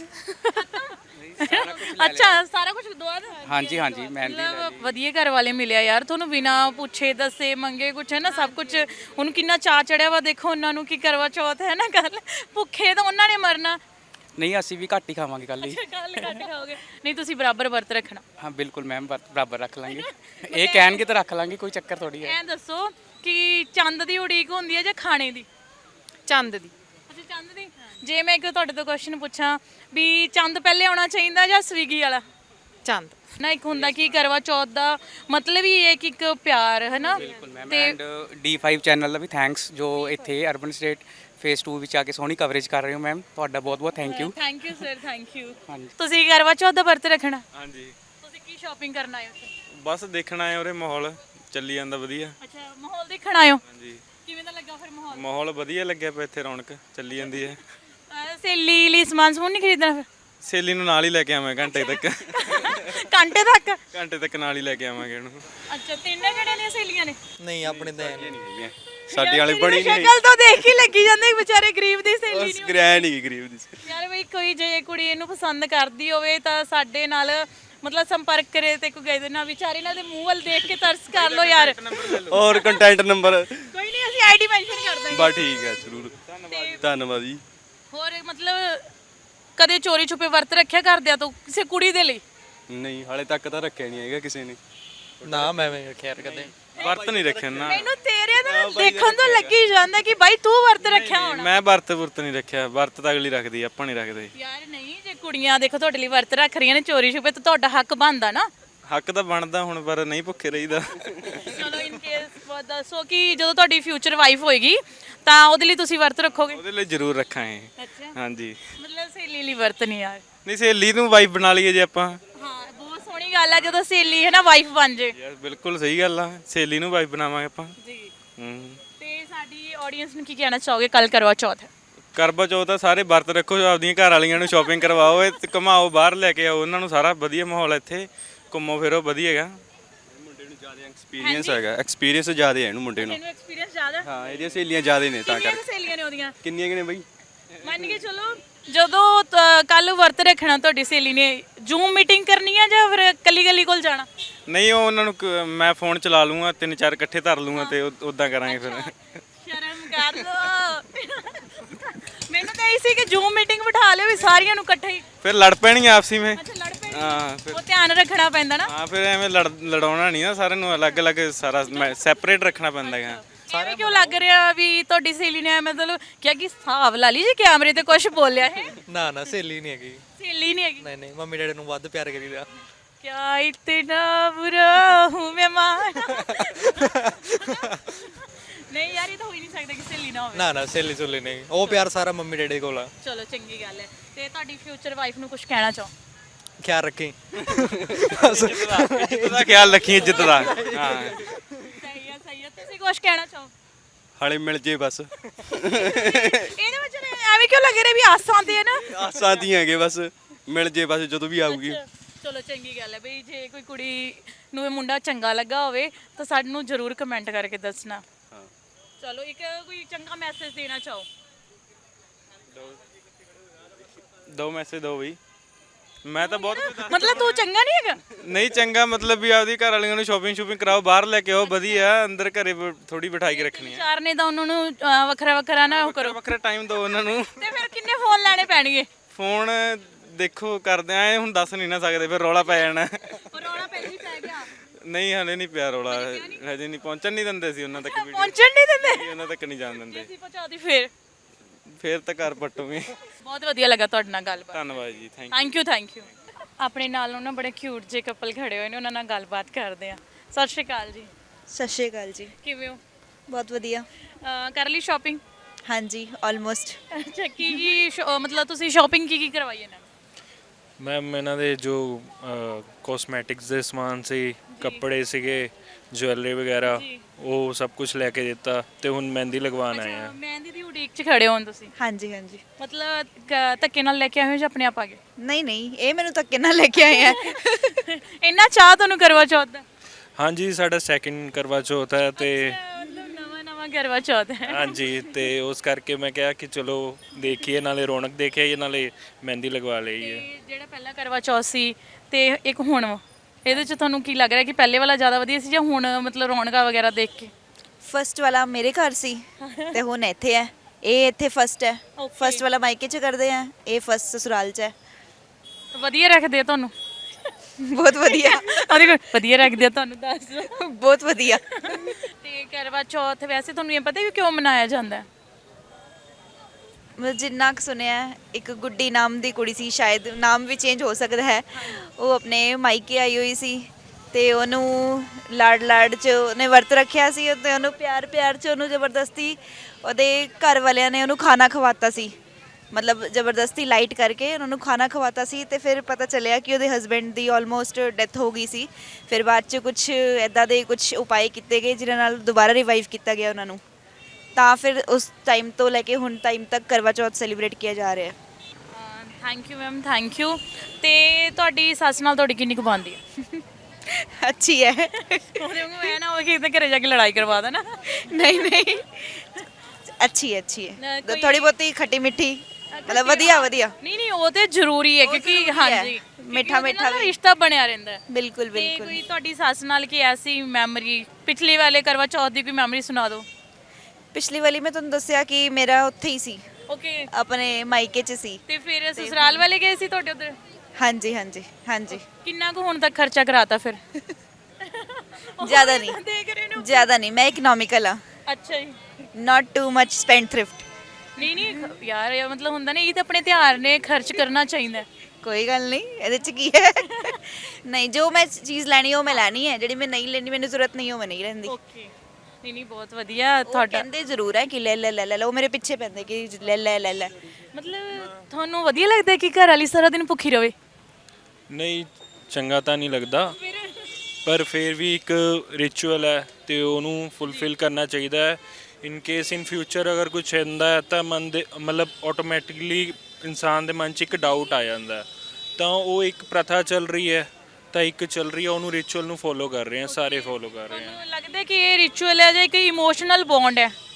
[SPEAKER 1] ਅੱਛਾ ਸਾਰਾ ਕੁਝ ਦਵਾ ਦੋ?
[SPEAKER 4] ਹਾਂਜੀ ਹਾਂਜੀ ਮਹਿੰਦੀ ਲੈ ਲਈ।
[SPEAKER 1] ਵਧੀਆ ਘਰ ਵਾਲੇ ਮਿਲਿਆ ਯਾਰ ਤੁਹਾਨੂੰ ਬਿਨਾ ਪੁੱਛੇ ਦੱਸੇ ਮੰਗੇ ਕੁਛ ਹੈ ਨਾ ਸਭ ਕੁਝ। ਉਹਨੂੰ ਕਿੰਨਾ ਚਾਅ ਚੜਿਆ ਵਾ ਦੇਖੋ ਉਹਨਾਂ ਨੂੰ ਕਿ ਕਰਵਾ ਚੌਥ ਹੈ ਨਾ ਕੱਲ। ਭੁੱਖੇ ਤਾਂ ਉਹਨਾਂ ਨੇ ਮਰਨਾ।
[SPEAKER 4] ਨਹੀਂ ਅਸੀਂ ਵੀ ਘੱਟ ਹੀ ਖਾਵਾਂਗੇ ਕੱਲ ਹੀ।
[SPEAKER 1] ਕੱਲ ਘੱਟ ਖਾਓਗੇ? ਨਹੀਂ ਤੁਸੀਂ ਬਰਾਬਰ ਵਰਤ ਰੱਖਣਾ।
[SPEAKER 4] ਹਾਂ ਬਿਲਕੁਲ ਮੈਮ ਬਰਾਬਰ ਰੱਖ ਲਾਂਗੇ। ਇਹ ਕਹਿਣਗੇ ਤਾਂ ਰੱਖ ਲਾਂਗੇ ਕੋਈ ਚੱਕਰ ਥੋੜੀ ਹੈ।
[SPEAKER 1] ਐਂ ਦੱਸੋ ਕਿ ਚੰਦ ਦੀ ਉਡੀਕ ਹੁੰਦੀ ਹੈ ਜਾਂ ਖਾਣੇ ਦੀ?
[SPEAKER 5] ਚੰਦ ਦੀ।
[SPEAKER 1] ਅੱਛਾ ਚੰਦ ਦੀ। ਜੇ ਮੈਂ ਇੱਕ ਤੁਹਾਡੇ ਤੋਂ ਕੁਐਸਚਨ ਪੁੱਛਾਂ ਵੀ ਚੰਦ ਪਹਿਲੇ ਆਉਣਾ ਚਾਹੀਦਾ ਜਾਂ ਸਵੀਗੀ ਵਾਲਾ?
[SPEAKER 5] ਚੰਦ
[SPEAKER 1] ਨਾ ਇੱਕ ਹੁੰਦਾ ਕਿ ਕਰਵਾ ਚੌਥ ਦਾ ਮਤਲਬ ਹੀ ਇਹ ਕਿ ਇੱਕ ਪਿਆਰ ਹੈ ਨਾ।
[SPEAKER 4] ਬਿਲਕੁਲ ਮੈਮ ਐਂਡ D5 ਚੈਨਲ ਦਾ ਵੀ ਥੈਂਕਸ ਜੋ ਇੱਥੇ ਅਰਬਨ ਸਟੇਟ ਫੇਸ 2 ਵਿੱਚ ਆ ਕੇ ਸੋਹਣੀ ਕਵਰੇਜ ਕਰ ਰਹੇ ਹੋ ਮੈਮ। ਤੁਹਾਡਾ ਬਹੁਤ ਬਹੁਤ thank you.
[SPEAKER 1] Thank you sir thank you.
[SPEAKER 4] ਹਾਂਜੀ
[SPEAKER 1] ਤੁਸੀਂ ਕਰਵਾ ਚੌਥ ਦਾ ਵਰਤ ਰੱਖਣਾ?
[SPEAKER 2] ਹਾਂਜੀ
[SPEAKER 1] ਤੁਸੀਂ ਕੀ ਸ਼ਾਪਿੰਗ ਕਰਨ ਆਏ ਹੋ?
[SPEAKER 2] ਬਸ ਦੇਖਣਾ ਹੈ ਉਰੇ ਮਾਹੌਲ ਚੱਲੀ ਜਾਂਦਾ ਵਧੀਆ।
[SPEAKER 1] ਅੱਛਾ ਮਾਹੌਲ ਦੇਖਣ ਆਏ ਹੋ?
[SPEAKER 2] ਹਾਂਜੀ
[SPEAKER 1] ਕਿਵੇਂ ਦਾ ਲੱਗਾ ਫਿਰ ਮਾਹੌਲ?
[SPEAKER 2] ਮਾਹੌਲ ਵਧੀਆ ਲੱਗਿਆ ਪਿਆ ਇੱਥੇ ਰੌਣਕ ਚੱਲੀ ਜਾਂਦੀ ਹੈ।
[SPEAKER 1] ਸਹੇਲੀ ਲਈ ਸਮਾਨ ਸਮੂਨ ਨਹੀਂ ਖਰੀਦਣਾ ਫਿਰ?
[SPEAKER 2] ਸਹੇਲੀ ਨੂੰ ਨਾਲ ਹੀ ਲੈ ਕੇ ਆਵਾਂ ਘੰਟੇ ਤੱਕ।
[SPEAKER 1] ਘੰਟੇ ਤੱਕ?
[SPEAKER 2] ਘੰਟੇ ਤੱਕ ਨਾਲ ਹੀ ਲੈ ਕੇ ਆਵਾਂਗੇ ਉਹਨੂੰ।
[SPEAKER 1] ਅੱਛਾ ਤਿੰਨੇ ਜਣੇ ਦੀਆਂ ਸਹੇਲੀਆਂ ਨੇ?
[SPEAKER 3] ਨਹੀਂ ਆਪਣੇ ਤਾਂ
[SPEAKER 2] ਨਹੀਂ ਹੈਗੀਆਂ ਸਾਡੀ ਵਾਲੀ ਬੜੀ ਨਹੀਂ।
[SPEAKER 1] ਸ਼ਕਲ ਤੋਂ ਦੇਖ ਹੀ ਲੱਗੀ ਜਾਂਦੇ ਵਿਚਾਰੇ ਗਰੀਬ ਦੀ ਸਹੇਲੀ
[SPEAKER 2] ਬਸ
[SPEAKER 1] ਨਹੀਂ।
[SPEAKER 2] ਕਿਰਾਇਆ ਨਹੀਂ ਗਰੀਬ ਦੀ।
[SPEAKER 1] ਯਾਰ ਬਈ ਕੋਈ ਜੇ ਕੁੜੀ ਇਹਨੂੰ ਪਸੰਦ ਕਰਦੀ ਹੋਵੇ ਤਾਂ ਸਾਡੇ ਨਾਲ ਮਤਲਬ ਸੰਪਰਕ ਕਰੇ ਤੇ ਕੋਈ ਗਏ ਨਾ ਵਿਚਾਰੇ ਇਹਨਾਂ ਦੇ ਮੂੰਹ ਵੱਲ ਦੇਖ ਕੇ ਤਰਸ ਕਰ ਲੋ ਯਾਰ।
[SPEAKER 2] ਔਰ ਕੰਟੈਂਟ ਨੰਬਰ
[SPEAKER 1] ਕੋਈ ਨਹੀਂ ਅਸੀਂ ਆਈਡੀ ਮੈਂਸ਼ਨ ਕਰ ਦਾਂਗੇ।
[SPEAKER 2] ਬਸ ਠੀਕ ਹੈ ਜ਼ਰੂਰ। ਧੰਨਵਾਦ ਜੀ।
[SPEAKER 1] ਹੋਰ ਮਤਲਬ ਕਦੇ ਚੋਰੀ ਛੁਪੇ ਵਰਤ ਰੱਖਿਆ ਕਰਦਿਆਂ ਤੋਂ ਕਿਸੇ ਕੁੜੀ ਦੇ ਲਈ?
[SPEAKER 2] ਨਹੀਂ ਹਾਲੇ ਤੱਕ ਤਾਂ ਰੱਖਿਆ ਨਹੀਂ ਹੈਗਾ ਕਿਸੇ ਨੇ।
[SPEAKER 3] ਨਾ ਮੈਂ ਰੱਖਿਆ ਕਦੇ।
[SPEAKER 2] ਵਰਤ ਨਹੀਂ ਰੱਖਿਆ ਨਾ।
[SPEAKER 1] ਮੈਨੂੰ ਤੇਰੇ ਦਾ ਦੇਖਣ ਤੋਂ ਲੱਗੀ ਜਾਂਦਾ ਕਿ ਬਾਈ ਤੂੰ ਵਰਤ ਰੱਖਿਆ ਹੋਣਾ।
[SPEAKER 2] ਮੈਂ ਵਰਤ ਨਹੀਂ ਰੱਖਿਆ। ਵਰਤ ਤਾਂ ਅਗਲੀ ਰੱਖਦੀ ਆਪਾਂ ਨਹੀਂ ਰੱਖਦੇ
[SPEAKER 1] ਯਾਰ ਨਹੀਂ ਜੇ ਕੁੜੀਆਂ ਦੇਖੋ ਤੁਹਾਡੇ ਲਈ ਵਰਤ ਰੱਖ ਰਹੀਆਂ ਨੇ ਚੋਰੀ ਛੁਪੇ ਤਾਂ ਤੁਹਾਡਾ ਹੱਕ ਬਣਦਾ ਨਾ।
[SPEAKER 2] ਹੱਕ ਤਾਂ ਬਣਦਾ ਹੁਣ ਪਰ ਨਹੀਂ ਭੁੱਖੇ ਰਹੀਦਾ।
[SPEAKER 1] ਚਲੋ ਇਨ ਕੇਸ ਦੱਸੋ ਕਿ ਜਦੋਂ ਤੁਹਾਡੀ ਫਿਊਚਰ ਵਾਈਫ ਹੋਏਗੀ ਤਾਂ ਉਹਦੇ ਲਈ ਤੁਸੀਂ ਵਰਤ ਰੱਖੋਗੇ?
[SPEAKER 2] ਉਹਦੇ ਲਈ ਜ਼ਰੂਰ ਰੱਖਾਂਗੇ।
[SPEAKER 1] ਅੱਛਾ
[SPEAKER 2] ਹਾਂਜੀ
[SPEAKER 1] ਮਤਲਬ ਸਹੇਲੀ ਲਈ ਵਰਤ ਨਹੀਂ ਯਾਰ?
[SPEAKER 2] ਨਹੀਂ ਸਹੇਲੀ ਨੂੰ ਵਾਈਫ ਬਣਾ ਲਈਏ ਜੇ ਆਪਾਂ।
[SPEAKER 1] ਹਾਂ ਬਹੁਤ ਸੋਹਣੀ ਗੱਲ ਆ ਜਦੋਂ ਸਹੇਲੀ ਹੈ ਨਾ ਵਾਈਫ ਬਣ ਜੇ।
[SPEAKER 2] ਯਾਰ ਬਿਲਕੁਲ ਸਹੀ ਗੱਲ ਆ। ਸਹੇਲੀ ਨੂੰ ਵਾਈਫ ਬਣਾਵਾਂਗੇ ਆਪਾਂ।
[SPEAKER 1] ਜੀ।
[SPEAKER 2] ਹੂੰ
[SPEAKER 1] ਤੇ ਸਾਡੀ ਆਡੀਅנס ਨੂੰ ਕੀ ਕਹਿਣਾ ਚਾਹੋਗੇ? ਕੱਲ ਕਰਵਾ ਚੌਥ ਹੈ।
[SPEAKER 2] ਕਰਵਾ ਚੌਥ ਆ ਸਾਰੇ ਵਰਤ ਰੱਖੋ ਆਪਦੀਆਂ ਘਰ ਵਾਲੀਆਂ ਨੂੰ ਸ਼ਾਪਿੰਗ ਕਰਵਾਓ ਤੇ ਘੁਮਾਓ ਬਾਹਰ ਲੈ ਕੇ ਆਓ ਉਹਨਾਂ ਨੂੰ। ਸਾਰਾ ਵਧੀਆ ਮਾਹੌਲ ਇੱਥੇ ਘੁੰਮੋ ਫਿਰੋ ਵਧੀਆ ਹੈਗਾ। ਮੁੰਡੇ ਨੂੰ ਜ਼ਿਆਦਾ ਐਕਸਪੀਰੀਅੰਸ ਹੈਗਾ। ਐਕਸਪੀਰੀਅੰਸ ਜ਼ਿਆਦਾ ਹੈ ਇਹਨੂੰ ਮੁੰਡੇ ਨੂੰ।
[SPEAKER 1] ਇਹਨੂੰ ਐਕਸਪੀਰੀਅੰਸ ਜ਼ਿਆਦਾ?
[SPEAKER 2] ਹਾਂ ਇਹਦੀਆਂ ਸਹੇਲੀਆਂ ਜ਼ਿਆਦਾ ਨੇ ਤਾਂ
[SPEAKER 1] ਕਿੰਨੀਆਂ
[SPEAKER 2] ਕਰਕੇ।
[SPEAKER 1] ਸਹੇਲੀਆਂ ਨੇ ਉਹਦੀਆਂ?
[SPEAKER 2] ਕਿੰਨੀਆਂ ਕਿ ਨੇ ਬਈ?
[SPEAKER 1] ਮੰਨ ਕੇ ਚਲੋ ਜਦੋਂ ਕੱਲ ਵਰਤ ਰੱਖਣਾ ਤੁਹਾਡੀ ਸਹੇਲੀ ਨੇ ਜ਼ੂਮ ਮੀਟਿੰਗ ਕਰਨੀ ਹੈ ਜਾਂ ਫਿਰ ਕੱਲੀ ਕੱਲੀ ਕੋਲ ਜਾਣਾ?
[SPEAKER 2] ਨਹੀਂ ਉਹ ਉਹਨਾਂ ਨੂੰ ਮੈਂ ਫੋਨ ਚਲਾ ਲੂੰਗਾ, ਤਿੰਨ ਚਾਰ ਇਕੱਠੇ ਧਰ ਲੂੰਗਾ ਤੇ ਉਦਾਂ ਕਰਾਂਗੇ ਫਿਰ।
[SPEAKER 1] ਸ਼ਰਮ ਕਰ ਲੋ। ਮੈਨੂੰ ਤਾਂ ਇਹ ਸੀ ਕਿ ਜ਼ੂਮ ਮੀਟਿੰਗ ਬਿਠਾ ਲਿਓ ਵੀ ਸਾਰੀਆਂ ਨੂੰ ਇਕੱਠੇ ਹੀ।
[SPEAKER 2] ਫਿਰ ਲੜ ਪੈਣੀ ਆਪਸੀ ਵਿੱਚ।
[SPEAKER 1] ਅੱਛਾ ਲੜ ਪੈਣੀ।
[SPEAKER 2] ਹਾਂ ਫਿਰ
[SPEAKER 1] ਉਹ ਧਿਆਨ ਰੱਖਣਾ ਪੈਂਦਾ ਨਾ।
[SPEAKER 2] ਹਾਂ ਫਿਰ ਐਵੇਂ ਲੜਾਉਣਾ ਨਹੀਂ ਨਾ, ਸਾਰਿਆਂ ਨੂੰ ਅਲੱਗ-ਅਲੱਗ ਸਾਰਾ ਸੈਪਰੇਟ ਰੱਖਣਾ ਪੈਂਦਾ ਹੈ।
[SPEAKER 1] ਐਵੇਂ ਕਿਉਂ ਲੱਗ ਰਿਹਾ ਵੀ ਤੁਹਾਡੀ ਸਹੇਲੀ ਨੇ ਮਤਲਬ ਕਿਹਾ ਕਿ ਹਿਸਾਬ ਲਾ ਲਈ ਜੀ ਕੈਮਰੇ ਤੇ ਕੁਝ ਬੋਲਿਆ ਹੈ?
[SPEAKER 3] ਨਾ ਸਹੇਲੀ ਨਹੀਂ ਹੈਗੀ।
[SPEAKER 1] ਸਹੇਲੀ ਨਹੀਂ ਹੈਗੀ।
[SPEAKER 3] ਨਹੀਂ ਮੰਮੀ ਡੈਡੀ ਨੂੰ ਵੱਧ ਪਿਆਰ ਕਰੀਦਾ।
[SPEAKER 1] क्या इतना बुरा हूँ मैं मां। ਨਹੀਂ ਯਾਰ ਇਹ ਤਾਂ ਹੋ ਹੀ ਨਹੀਂ ਸਕਦਾ ਕਿ ਸਹੇਲੀ ਨਾ ਹੋਵੇ।
[SPEAKER 3] ਨਾ ਸਹੇਲੀ ਸੁਲੀ ਨਹੀਂ, ਉਹ ਪਿਆਰ ਸਾਰਾ ਮੰਮੀ ਡੈਡੀ ਕੋਲ ਆ।
[SPEAKER 1] ਚਲੋ ਚੰਗੀ ਗੱਲ ਹੈ। ਤੇ ਤੁਹਾਡੀ ਫਿਊਚਰ ਵਾਈਫ ਨੂੰ ਕੁਝ ਕਹਿਣਾ ਚਾਹੋ?
[SPEAKER 3] ਖਿਆਲ ਰੱਖੀ।
[SPEAKER 2] ਇੱਜ਼ਤ ਦਾ ਖਿਆਲ ਰੱਖੀ, ਇੱਜ਼ਤ ਦਾ। ਹਾਂ
[SPEAKER 1] ਸਹੀ ਹੈ ਸਹੀ ਹੈ। ਤੁਸੀਂ ਕੁਝ ਕਹਿਣਾ ਚਾਹੋ?
[SPEAKER 2] ਹਾਲੇ ਮਿਲ ਜੇ ਬਸ।
[SPEAKER 1] ਇਹਦੇ ਵਿੱਚ ਐਵੇਂ ਕਿਉਂ ਲੱਗ ਰਿਹਾ ਵੀ ਆਸਾਂ ਤੇ ਹੈ ਨਾ?
[SPEAKER 2] ਆਸਾਂ ਦੀਆਂ ਹੈਗੇ ਬਸ, ਮਿਲ ਜੇ ਬਸ ਜਦੋਂ ਵੀ ਆਊਗੀ।
[SPEAKER 1] ਚਲੋ ਚੰਗੀ ਗੱਲ ਹੈ ਬਈ। ਜੇ ਕੋਈ ਕੁੜੀ ਨੂੰ ਇਹ ਮੁੰਡਾ ਚੰਗਾ ਲੱਗਾ ਹੋਵੇ ਤਾਂ ਸਾਨੂੰ ਜ਼ਰੂਰ ਕਮੈਂਟ ਕਰਕੇ ਦੱਸਣਾ।
[SPEAKER 2] ਹਾਂ
[SPEAKER 1] ਚਲੋ ਇੱਕ ਕੋਈ ਚੰਗਾ ਮੈਸੇਜ ਦੇਣਾ ਚਾਹੋ?
[SPEAKER 2] ਦੋ ਮੈਸੇਜ ਦੋ ਬਈ। ਮੈਂ ਤਾਂ ਬਹੁਤ ਕੁਝ ਦੱਸ-
[SPEAKER 1] ਮਤਲਬ ਤੂੰ ਚੰਗਾ ਨਹੀਂ ਹੈਗਾ?
[SPEAKER 2] ਨਹੀਂ ਚੰਗਾ ਮਤਲਬ ਵੀ ਆਪਦੀ ਘਰ ਵਾਲੀਆਂ ਨੂੰ ਸ਼ੋਪਿੰਗ ਕਰਾਓ, ਬਾਹਰ ਲੈ ਕੇ ਆਓ, ਵਧੀਆ। ਅੰਦਰ ਘਰੇ ਥੋੜੀ ਬਿਠਾਈ ਕੇ ਰੱਖਣੀ ਹੈ।
[SPEAKER 1] ਚਾਰ ਨੇ ਤਾਂ ਉਹਨਾਂ ਨੂੰ ਵੱਖਰਾ ਵੱਖਰਾ ਨਾ ਉਹ ਕਰੋ।
[SPEAKER 2] ਵੱਖਰਾ ਟਾਈਮ ਦਿਓ ਉਹਨਾਂ ਨੂੰ।
[SPEAKER 1] ਤੇ ਫਿਰ ਕਿੰਨੇ ਫੋਨ ਲੈਣੇ ਪੈਣਗੇ?
[SPEAKER 2] ਫੋਨ ਦੇਖੋ ਕਰਦੇ ਆਏ, ਹੁਣ ਦੱਸ ਨਹੀਂ ਨਾ ਸਕਦੇ, ਫਿਰ ਰੌਲਾ ਪੈ ਜਾਣਾ।
[SPEAKER 1] ਰੌਲਾ ਪਹਿਲਾਂ ਹੀ ਪੈ ਗਿਆ।
[SPEAKER 2] ਨਹੀਂ ਹਲੇ ਨਹੀਂ ਪਿਆ ਰੌਲਾ, ਹਜੇ ਨਹੀਂ ਪਹੁੰਚਣ ਨਹੀਂ ਦਿੰਦੇ ਸੀ ਉਹਨਾਂ ਤੱਕ। ਵੀਡੀਓ
[SPEAKER 1] ਪਹੁੰਚਣ ਨਹੀਂ ਦਿੰਦੇ?
[SPEAKER 2] ਉਹਨਾਂ ਤੱਕ ਨਹੀਂ ਜਾਣ ਦਿੰਦੇ।
[SPEAKER 1] ਅਸੀਂ ਪਹੁੰਚਾਦੀ ਫਿਰ
[SPEAKER 2] ਤਾਂ ਘਰ ਪੱਟੂਗੇ।
[SPEAKER 1] ਬਹੁਤ ਵਧੀਆ ਲੱਗਾ ਤੁਹਾਡੇ ਨਾਲ ਗੱਲਬਾਤ।
[SPEAKER 2] ਧੰਨਵਾਦ ਜੀ,
[SPEAKER 1] ਥੈਂਕ ਯੂ। ਆਪਣੇ ਨਾਲ ਉਹਨਾਂ ਬੜੇ ਕਿਊਟ ਜਿਹੇ ਕਪਲ ਖੜੇ ਹੋਏ ਨੇ, ਉਹਨਾਂ ਨਾਲ ਗੱਲਬਾਤ ਕਰਦੇ ਆ। ਸਤਿ ਸ਼੍ਰੀ ਅਕਾਲ ਜੀ।
[SPEAKER 7] ਸਤਿ ਸ਼੍ਰੀ ਅਕਾਲ ਜੀ।
[SPEAKER 1] ਕਿਵੇਂ ਹੋ?
[SPEAKER 7] ਬਹੁਤ ਵਧੀਆ।
[SPEAKER 1] ਕਰ ਲਈ ਸ਼ਾਪਿੰਗ?
[SPEAKER 7] ਹਾਂਜੀ ਆਲਮੋਸਟ।
[SPEAKER 1] ਅੱਛਾ ਕੀ ਮਤਲਬ ਤੁਸੀਂ ਸ਼ਾਪਿੰਗ ਕੀ ਕਰਵਾਈ ਇਹਨਾਂ ਨੂੰ?
[SPEAKER 8] ਮੈਮ ਇਹਨਾਂ ਦੇ ਜੋ ਕੋਸਮੈਟਿਕਸ ਦੇ ਸਮਾਨ ਸੀ, ਕੱਪੜੇ ਸੀਗੇ, ਜੁਐਲਰੀ ਵਗੈਰਾ, ਉਹ ਸਭ ਕੁਝ ਲੈ ਕੇ ਦਿੱਤਾ ਤੇ ਹੁਣ ਮਹਿੰਦੀ ਲਗਵਾਉਣ ਆਏ ਆ।
[SPEAKER 1] ਮਹਿੰਦੀ ਦੀ ਉਡੀਕ 'ਚ ਖੜੇ ਹੋ ਹੁਣ ਤੁਸੀਂ?
[SPEAKER 7] ਹਾਂਜੀ ਹਾਂਜੀ।
[SPEAKER 1] ਮਤਲਬ ਧੱਕੇ ਨਾਲ ਲੈ ਕੇ ਆਏ ਹੋ ਜਾਂ ਆਪਣੇ ਆਪ ਆ ਗਏ?
[SPEAKER 7] ਨਹੀਂ ਇਹ ਮੈਨੂੰ ਧੱਕੇ ਨਾਲ ਲੈ ਕੇ ਆਏ ਆ।
[SPEAKER 1] ਇੰਨਾ ਚਾਹ ਤੁਹਾਨੂੰ ਕਰਵਾ ਚੌਥ ਦਾ?
[SPEAKER 8] ਹਾਂਜੀ ਸਾਡਾ ਸੈਕਿੰਡ ਕਰਵਾ ਚੌਥ ਹੈ ਤੇ
[SPEAKER 1] ਮਤਲਬ ਨਵਾਂ ਕਰਵਾ ਚੌਥ ਹੈ।
[SPEAKER 8] ਹਾਂਜੀ ਤੇ ਉਸ ਕਰਕੇ ਮੈਂ ਕਿਹਾ ਕਿ ਚਲੋ ਦੇਖੀਏ, ਨਾਲੇ ਰੌਣਕ ਦੇਖੀਏ, ਨਾਲੇ ਮਹਿੰਦੀ ਲਗਵਾ ਲਈਏ।
[SPEAKER 1] ਤੇ ਜਿਹੜਾ ਪਹਿਲਾ ਕਰਵਾ ਚੌਥ ਸੀ ਤੇ ਇੱਕ ਹੁਣ, ਇਹਦੇ 'ਚ ਤੁਹਾਨੂੰ ਕੀ ਲੱਗ ਰਿਹਾ ਕਿ ਪਹਿਲੇ ਵਾਲਾ ਜ਼ਿਆਦਾ ਵਧੀਆ ਸੀ ਜਾਂ ਹੁਣ ਮਤਲਬ ਰੌਣਕਾਂ ਵਗੈਰਾ ਦੇਖ ਕੇ?
[SPEAKER 7] ਫਸਟ ਵਾਲਾ ਮੇਰੇ ਘਰ ਸੀ ਤੇ ਹੁਣ ਇੱਥੇ ਹੈ। ਇਹ ਇੱਥੇ ਫਸਟ ਹੈ।
[SPEAKER 1] Okay.
[SPEAKER 7] ਫਸਟ ਵਾਲਾ ਮਾਇਕੇ ਚ ਕਰਦੇ ਆ, ਇਹ ਫਸਟ ਸਸੁਰਾਲ ਚ ਹੈ।
[SPEAKER 1] ਵਧੀਆ ਰੱਖਦੇ ਆ ਤੁਹਾਨੂੰ?
[SPEAKER 7] ਬਹੁਤ ਵਧੀਆ।
[SPEAKER 1] ਉਹਦੇ ਕੋਲ ਵਧੀਆ ਰੱਖਦੇ ਆ ਤੁਹਾਨੂੰ, ਦੱਸ ਦਿਓ।
[SPEAKER 7] ਬਹੁਤ ਵਧੀਆ।
[SPEAKER 1] ਤੇ ਕਰਵਾ ਚੌਥ ਵੈਸੇ ਤੁਹਾਨੂੰ ਇਹ ਪਤਾ ਵੀ ਕਿਉਂ ਮਨਾਇਆ ਜਾਂਦਾ ਹੈ?
[SPEAKER 7] ਮੈਂ ਜਿੰਨਾ ਕੁ ਸੁਣਿਆ ਹੈ, ਇੱਕ ਗੁੱਡੀ ਨਾਮ ਦੀ ਕੁੜੀ ਸੀ, ਸ਼ਾਇਦ ਨਾਮ ਵੀ ਚੇਂਜ ਹੋ ਸਕਦਾ ਹੈ। ਉਹ ਆਪਣੇ ਮਾਇਕੇ ਆਈ ਹੋਈ ਸੀ ਤੇ ਉਹਨੂੰ ਲਾੜ ਚ ਉਹਨੇ ਵਰਤ ਰੱਖਿਆ ਸੀ ਤੇ ਉਹਨੂੰ ਪਿਆਰ ਚ ਉਹਨੂੰ ਜ਼ਬਰਦਸਤੀ ਉਹਦੇ ਘਰ ਵਾਲਿਆਂ ਨੇ ਉਹਨੂੰ ਖਾਣਾ ਖਵਾਤਾ ਸੀ। ਮਤਲਬ ਜ਼ਬਰਦਸਤੀ ਲਾਈਟ ਕਰਕੇ ਉਹਨਾਂ ਨੂੰ ਖਾਣਾ ਖਵਾਤਾ ਸੀ ਤੇ ਫਿਰ ਪਤਾ ਚੱਲਿਆ ਕਿ ਉਹਦੇ ਹਸਬੈਂਡ ਦੀ ਆਲਮੋਸਟ ਡੈਥ ਹੋ ਗਈ ਸੀ। ਫਿਰ ਬਾਅਦ ਚ ਕੁਝ ਐਦਾਂ ਦੇ ਕੁਝ ਉਪਾਅ ਕੀਤੇ ਗਏ ਜਿਨ੍ਹਾਂ ਨਾਲ ਦੁਬਾਰਾ ਰਿਵਾਈਵ ਕੀਤਾ ਗਿਆ ਉਹਨਾਂ ਨੂੰ। ਤਾਂ ਫਿਰ ਉਸ ਟਾਈਮ ਤੋਂ ਲੈ ਕੇ ਹੁਣ ਟਾਈਮ ਤੱਕ ਕਰਵਾ ਚੌਥ ਸੈਲੀਬ੍ਰੇਟ ਕੀਤਾ ਜਾ ਰਿਹਾ ਹੈ।
[SPEAKER 1] Thank you ma'am, thank you. ਤੇ ਤੁਹਾਡੀ ਸੱਸ ਨਾਲ ਤੁਹਾਡੀ ਕਿੰਨੀ ਕੁ ਬਣਦੀ ਹੈ?
[SPEAKER 7] ਅੱਛੀ ਹੈ।
[SPEAKER 1] ਉਹਦੇ ਵਾਂਗੂ ਐ ਨਾ ਹੋਵੇ ਕਿ ਇਹਦੇ ਘਰੇ ਜਾ ਕੇ ਲੜਾਈ ਕਰਵਾ ਦੇਣਾ।
[SPEAKER 7] ਨਹੀਂ ਅੱਛੀ ਹੈ
[SPEAKER 1] ਕੋਈ-
[SPEAKER 7] ਥੋੜੀ ਬਹੁਤੀ ਖੱਟੀ ਮਿੱਠੀ, ਮਤਲਬ ਵਧੀਆ।
[SPEAKER 1] ਨਹੀਂ ਉਹ ਤੇ ਜ਼ਰੂਰੀ ਹੈ ਕਿਉਂਕਿ
[SPEAKER 7] ਜ਼ਰੂਰੀ ਹੈ।
[SPEAKER 1] ਹਾਂਜੀ
[SPEAKER 7] ਮਿੱਠਾ
[SPEAKER 1] ਉਹਦੇ ਨਾਲ
[SPEAKER 7] ਵੀ।
[SPEAKER 1] ਰਿਸ਼ਤਾ ਬਣਿਆ ਰਹਿੰਦਾ ਹੈ।
[SPEAKER 7] ਬਿਲਕੁਲ
[SPEAKER 1] ਤੇ
[SPEAKER 7] ਬਿਲਕੁਲ।
[SPEAKER 1] ਕੋਈ ਤੁਹਾਡੀ ਸੱਸ ਨਾਲ ਕੀ ਐਸੀ ਮੈਮਰੀ ਪਿਛਲੇ ਵਾਲੇ ਕਰਵਾ ਚੌਥ ਦੀ ਕੋਈ ਮੈਮਰੀ ਸੁਣਾ ਦਿਓ।
[SPEAKER 7] ਪਿਛਲੀ ਵਾਲੀ ਮੈਂ ਤੁਹਾਨੂੰ ਦੱਸਿਆ ਕਿ ਮੇਰਾ ਉੱਥੇ ਹੀ ਸੀ,
[SPEAKER 1] ਓਕੇ।
[SPEAKER 7] ਆਪਣੇ ਮਾਇਕੇ 'ਚ ਸੀ।
[SPEAKER 1] ਤੇ ਫਿਰ ਸਸੁਰਾਲ ਵਾਲੇ ਗਏ ਸੀ ਤੁਹਾਡੇ ਉਧਰ?
[SPEAKER 7] ਹਾਂਜੀ।
[SPEAKER 1] ਕਿੰਨਾ ਕੁ ਹੁਣ ਤੱਕ ਖਰਚਾ ਕਰਾਤਾ ਫਿਰ?
[SPEAKER 7] ਜ਼ਿਆਦਾ
[SPEAKER 1] ਦੇਖ ਰਹੇ ਨੂੰ।
[SPEAKER 7] ਨਹੀਂ ਮੈਂ ਇਕਨੋਮਿਕਲ ਆ,
[SPEAKER 1] ਅੱਛਾ ਜੀ।
[SPEAKER 7] Not too much spend thrift.
[SPEAKER 1] ਨਹੀਂ ਯਾਰ ਇਹ ਮਤਲਬ ਹੁੰਦਾ ਨਹੀਂ, ਇਹ ਤਾਂ ਆਪਣੇ ਤਿਉਹਾਰ ਨੇ, ਖਰਚ ਕਰਨਾ ਚਾਹੀਦਾ ਹੈ।
[SPEAKER 7] ਕੋਈ ਗੱਲ ਨਹੀਂ, ਇਹਦੇ 'ਚ ਕੀ ਹੈ। ਨਹੀਂ ਜੋ ਮੈਂ ਚੀਜ਼ ਲੈਣੀ ਉਹ ਮੈਂ ਲੈਣੀ ਹੈ, ਜਿਹੜੀ ਮੈਂ ਨਹੀਂ ਲੈਣੀ ਮੈਨੂੰ ਜ਼ਰੂਰਤ ਨਹੀਂ ਉਹ ਮੈਂ ਨਹੀਂ ਲੈਂਦੀ।
[SPEAKER 1] ਓਕੇ। ਨਹੀਂ ਬਹੁਤ ਵਧੀਆ
[SPEAKER 7] ਉਹ
[SPEAKER 1] ਤੁਹਾਡਾ।
[SPEAKER 7] ਕਹਿੰਦੇ ਜ਼ਰੂਰ ਹੈ ਕਿ ਲੈ ਉਹ ਮੇਰੇ ਪਿੱਛੇ ਪੈਂਦੇ ਕਿ ਲੈ।
[SPEAKER 1] ਮਤਲਬ ਤੁਹਾਨੂੰ ਵਧੀਆ ਲੱਗਦਾ ਕਿ ਘਰ ਵਾਲੀ ਸਾਰਾ ਦਿਨ ਭੁੱਖੀ ਰਵੇ?
[SPEAKER 8] ਨਹੀਂ ਚੰਗਾ ਤਾਂ ਨਹੀਂ ਲੱਗਦਾ, ਪਰ ਫਿਰ ਵੀ ਇੱਕ ਰਿਚੁਅਲ ਹੈ ਤੇ ਉਹਨੂੰ ਫੁੱਲਫਿਲ ਕਰਨਾ ਚਾਹੀਦਾ ਹੈ। ਇਨ ਕੇਸ ਇਨ ਫਿਊਚਰ ਅਗਰ ਕੁਝ ਹੁੰਦਾ ਹੈ ਤਾਂ ਮਨ ਦੇ ਮਤਲਬ ਆਟੋਮੈਟਿਕਲੀ ਇਨਸਾਨ ਦੇ ਮਨ 'ਚ ਇੱਕ ਡਾਊਟ ਆ ਜਾਂਦਾ ਹੈ। ਤਾਂ ਉਹ ਇੱਕ ਪ੍ਰਥਾ ਚੱਲ ਰਹੀ ਹੈ, ਤਾਂ ਇੱਕ ਚੱਲ ਰਹੀ ਹੈ, ਉਹਨੂੰ ਰਿਚੁਅਲ ਨੂੰ ਫੋਲੋ ਕਰ ਰਹੇ ਆ, ਸਾਰੇ ਫੋਲੋ ਕਰ ਰਹੇ ਆ।
[SPEAKER 1] ਤੁਹਾਨੂੰ ਲੱਗਦਾ ਕਿ ਇਹ ਰਿਚੁਅਲ ਹੈ ਜਾਂ ਇੱਕ ਇਮੋਸ਼ਨਲ ਬੌਂਡ ਹੈ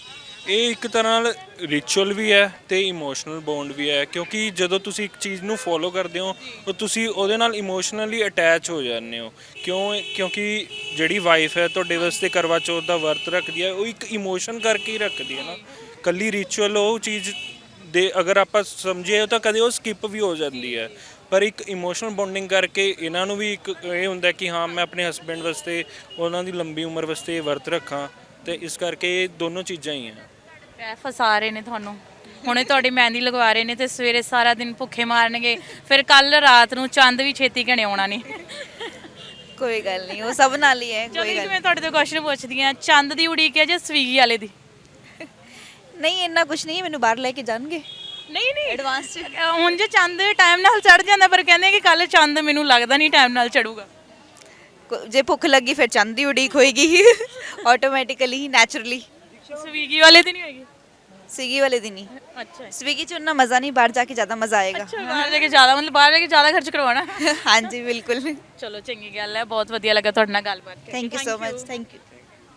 [SPEAKER 8] ਇਹ ਇੱਕ ਤਰ੍ਹਾਂ ਨਾਲ ਰਿਚੁਅਲ ਵੀ ਹੈ ਤੇ ਇਮੋਸ਼ਨਲ ਬੌਂਡ ਵੀ ਹੈ, ਕਿਉਂਕਿ ਜਦੋਂ ਤੁਸੀਂ ਇੱਕ ਚੀਜ਼ ਨੂੰ ਫੋਲੋ ਕਰਦੇ ਹੋ ਤਾਂ ਤੁਸੀਂ ਉਹਦੇ ਨਾਲ ਇਮੋਸ਼ਨਲੀ ਅਟੈਚ ਹੋ ਜਾਂਦੇ ਹੋ। ਕਿਉਂਕਿ ਜਿਹੜੀ ਵਾਈਫ ਹੈ ਤੁਹਾਡੇ ਵਾਸਤੇ ਕਰਵਾ ਚੌਥ ਦਾ ਵਰਤ ਰੱਖਦੀ ਹੈ, ਉਹ ਇੱਕ ਇਮੋਸ਼ਨ ਕਰਕੇ ਹੀ ਰੱਖਦੀ ਹੈ ਨਾ। ਕੱਲੀ ਰਿਚੁਅਲ ਉਹ ਚੀਜ਼ ਦੇ ਅਗਰ ਆਪਾਂ ਸਮਝੀਏ ਤਾਂ ਕਦੇ ਉਹ ਸਕਿਪ ਵੀ ਹੋ ਜਾਂਦੀ ਹੈ, ਪਰ ਇੱਕ ਇਮੋਸ਼ਨਲ ਬੌਂਡਿੰਗ ਕਰਕੇ ਇਹਨਾਂ ਨੂੰ ਵੀ ਇੱਕ ਇਹ ਹੁੰਦਾ ਕਿ ਹਾਂ ਮੈਂ ਆਪਣੇ ਹਸਬੈਂਡ ਵਾਸਤੇ, ਉਹਨਾਂ ਦੀ ਲੰਬੀ ਉਮਰ ਵਾਸਤੇ ਇਹ ਵਰਤ ਰੱਖਾਂ, ਤੇ ਇਸ ਕਰਕੇ ਇਹ ਦੋਨੋਂ ਚੀਜ਼ਾਂ ਹੀ ਆ।
[SPEAKER 1] ਐ ਫਸਾ ਰਹੇ ਨੇ ਤੁਹਾਨੂੰ, ਹੁਣੇ ਤੁਹਾਡੀ ਮਹਿੰਦੀ ਲਗਵਾ ਰਹੇ ਨੇ ਤੇ ਸਵੇਰੇ ਸਾਰਾ ਦਿਨ ਭੁੱਖੇ ਮਾਰਨਗੇ, ਫਿਰ ਕੱਲ ਰਾਤ ਨੂੰ ਚੰਦ ਵੀ ਛੇਤੀ ਘਣੇ ਆਉਣਾ ਨਹੀਂ।
[SPEAKER 7] ਕੋਈ ਗੱਲ ਨਹੀਂ, ਉਹ ਸਭ ਨਾਲ ਹੀ ਹੈ,
[SPEAKER 1] ਚਲੋ
[SPEAKER 7] ਕੋਈ
[SPEAKER 1] ਇੱਕ
[SPEAKER 7] ਗੱਲ
[SPEAKER 1] ਮੈਂ ਤੁਹਾਡੇ ਤੋਂ ਕੁਐਸਚਨ ਪੁੱਛਦੀ ਆ, ਚੰਦ ਦੀ ਉਡੀਕ ਹੈ ਜਾਂ ਸਵੀਗੀ ਵਾਲੇ ਦੀ?
[SPEAKER 7] ਨਹੀਂ, ਇੰਨਾ ਕੁਝ ਨਹੀਂ, ਮੈਨੂੰ ਬਾਹਰ ਲੈ ਕੇ ਜਾਣਗੇ
[SPEAKER 1] ਨਹੀਂ
[SPEAKER 7] ਐਡਵਾਂਸ ਚ।
[SPEAKER 1] ਹੁਣ ਜੇ ਚੰਦ ਟਾਈਮ ਨਾਲ ਚੜ ਜਾਂਦਾ, ਪਰ ਕਹਿੰਦੇ ਕਿ ਕੱਲ ਚੰਦ ਮੈਨੂੰ ਲੱਗਦਾ ਨਹੀਂ ਟਾਈਮ ਨਾਲ ਚੜੂਗਾ।
[SPEAKER 7] ਜੇ ਭੁੱਖ ਲੱਗੀ ਫਿਰ ਚੰਦ ਦੀ ਉਡੀਕ ਹੋਏਗੀ ਆਟੋਮੈਟਿਕਲੀ, ਨੈਚੁਰਲੀ।
[SPEAKER 1] ਸਵੀਗੀ ਵਾਲੇ ਦੀ ਨਹੀਂ ਹੋਏਗੀ?
[SPEAKER 7] ਸਵੀਗੀ ਵਾਲੇ ਦੀ ਨਹੀਂ।
[SPEAKER 1] ਅੱਛਾ
[SPEAKER 7] ਸਵੀਗੀ ਚ ਉਨਾ ਮਜ਼ਾ ਨਹੀਂ, ਬਾਹਰ ਜਾ ਕੇ ਜ਼ਿਆਦਾ ਮਜ਼ਾ ਆਏਗਾ।
[SPEAKER 1] ਬਾਹਰ ਜਾ ਕੇ ਜ਼ਿਆਦਾ, ਮਤਲਬ ਬਾਹਰ ਜਾ ਕੇ ਜ਼ਿਆਦਾ ਖਰਚ ਕਰਵਾਉਣਾ।
[SPEAKER 7] ਹਾਂਜੀ ਬਿਲਕੁਲ।
[SPEAKER 1] ਚਲੋ ਚੰਗੀ ਗੱਲ ਹੈ, ਬਹੁਤ ਵਧੀਆ ਲੱਗਾ ਤੁਹਾਡੇ ਨਾਲ ਗੱਲਬਾਤ ਕਰਕੇ।
[SPEAKER 7] Thank you so much, thank you.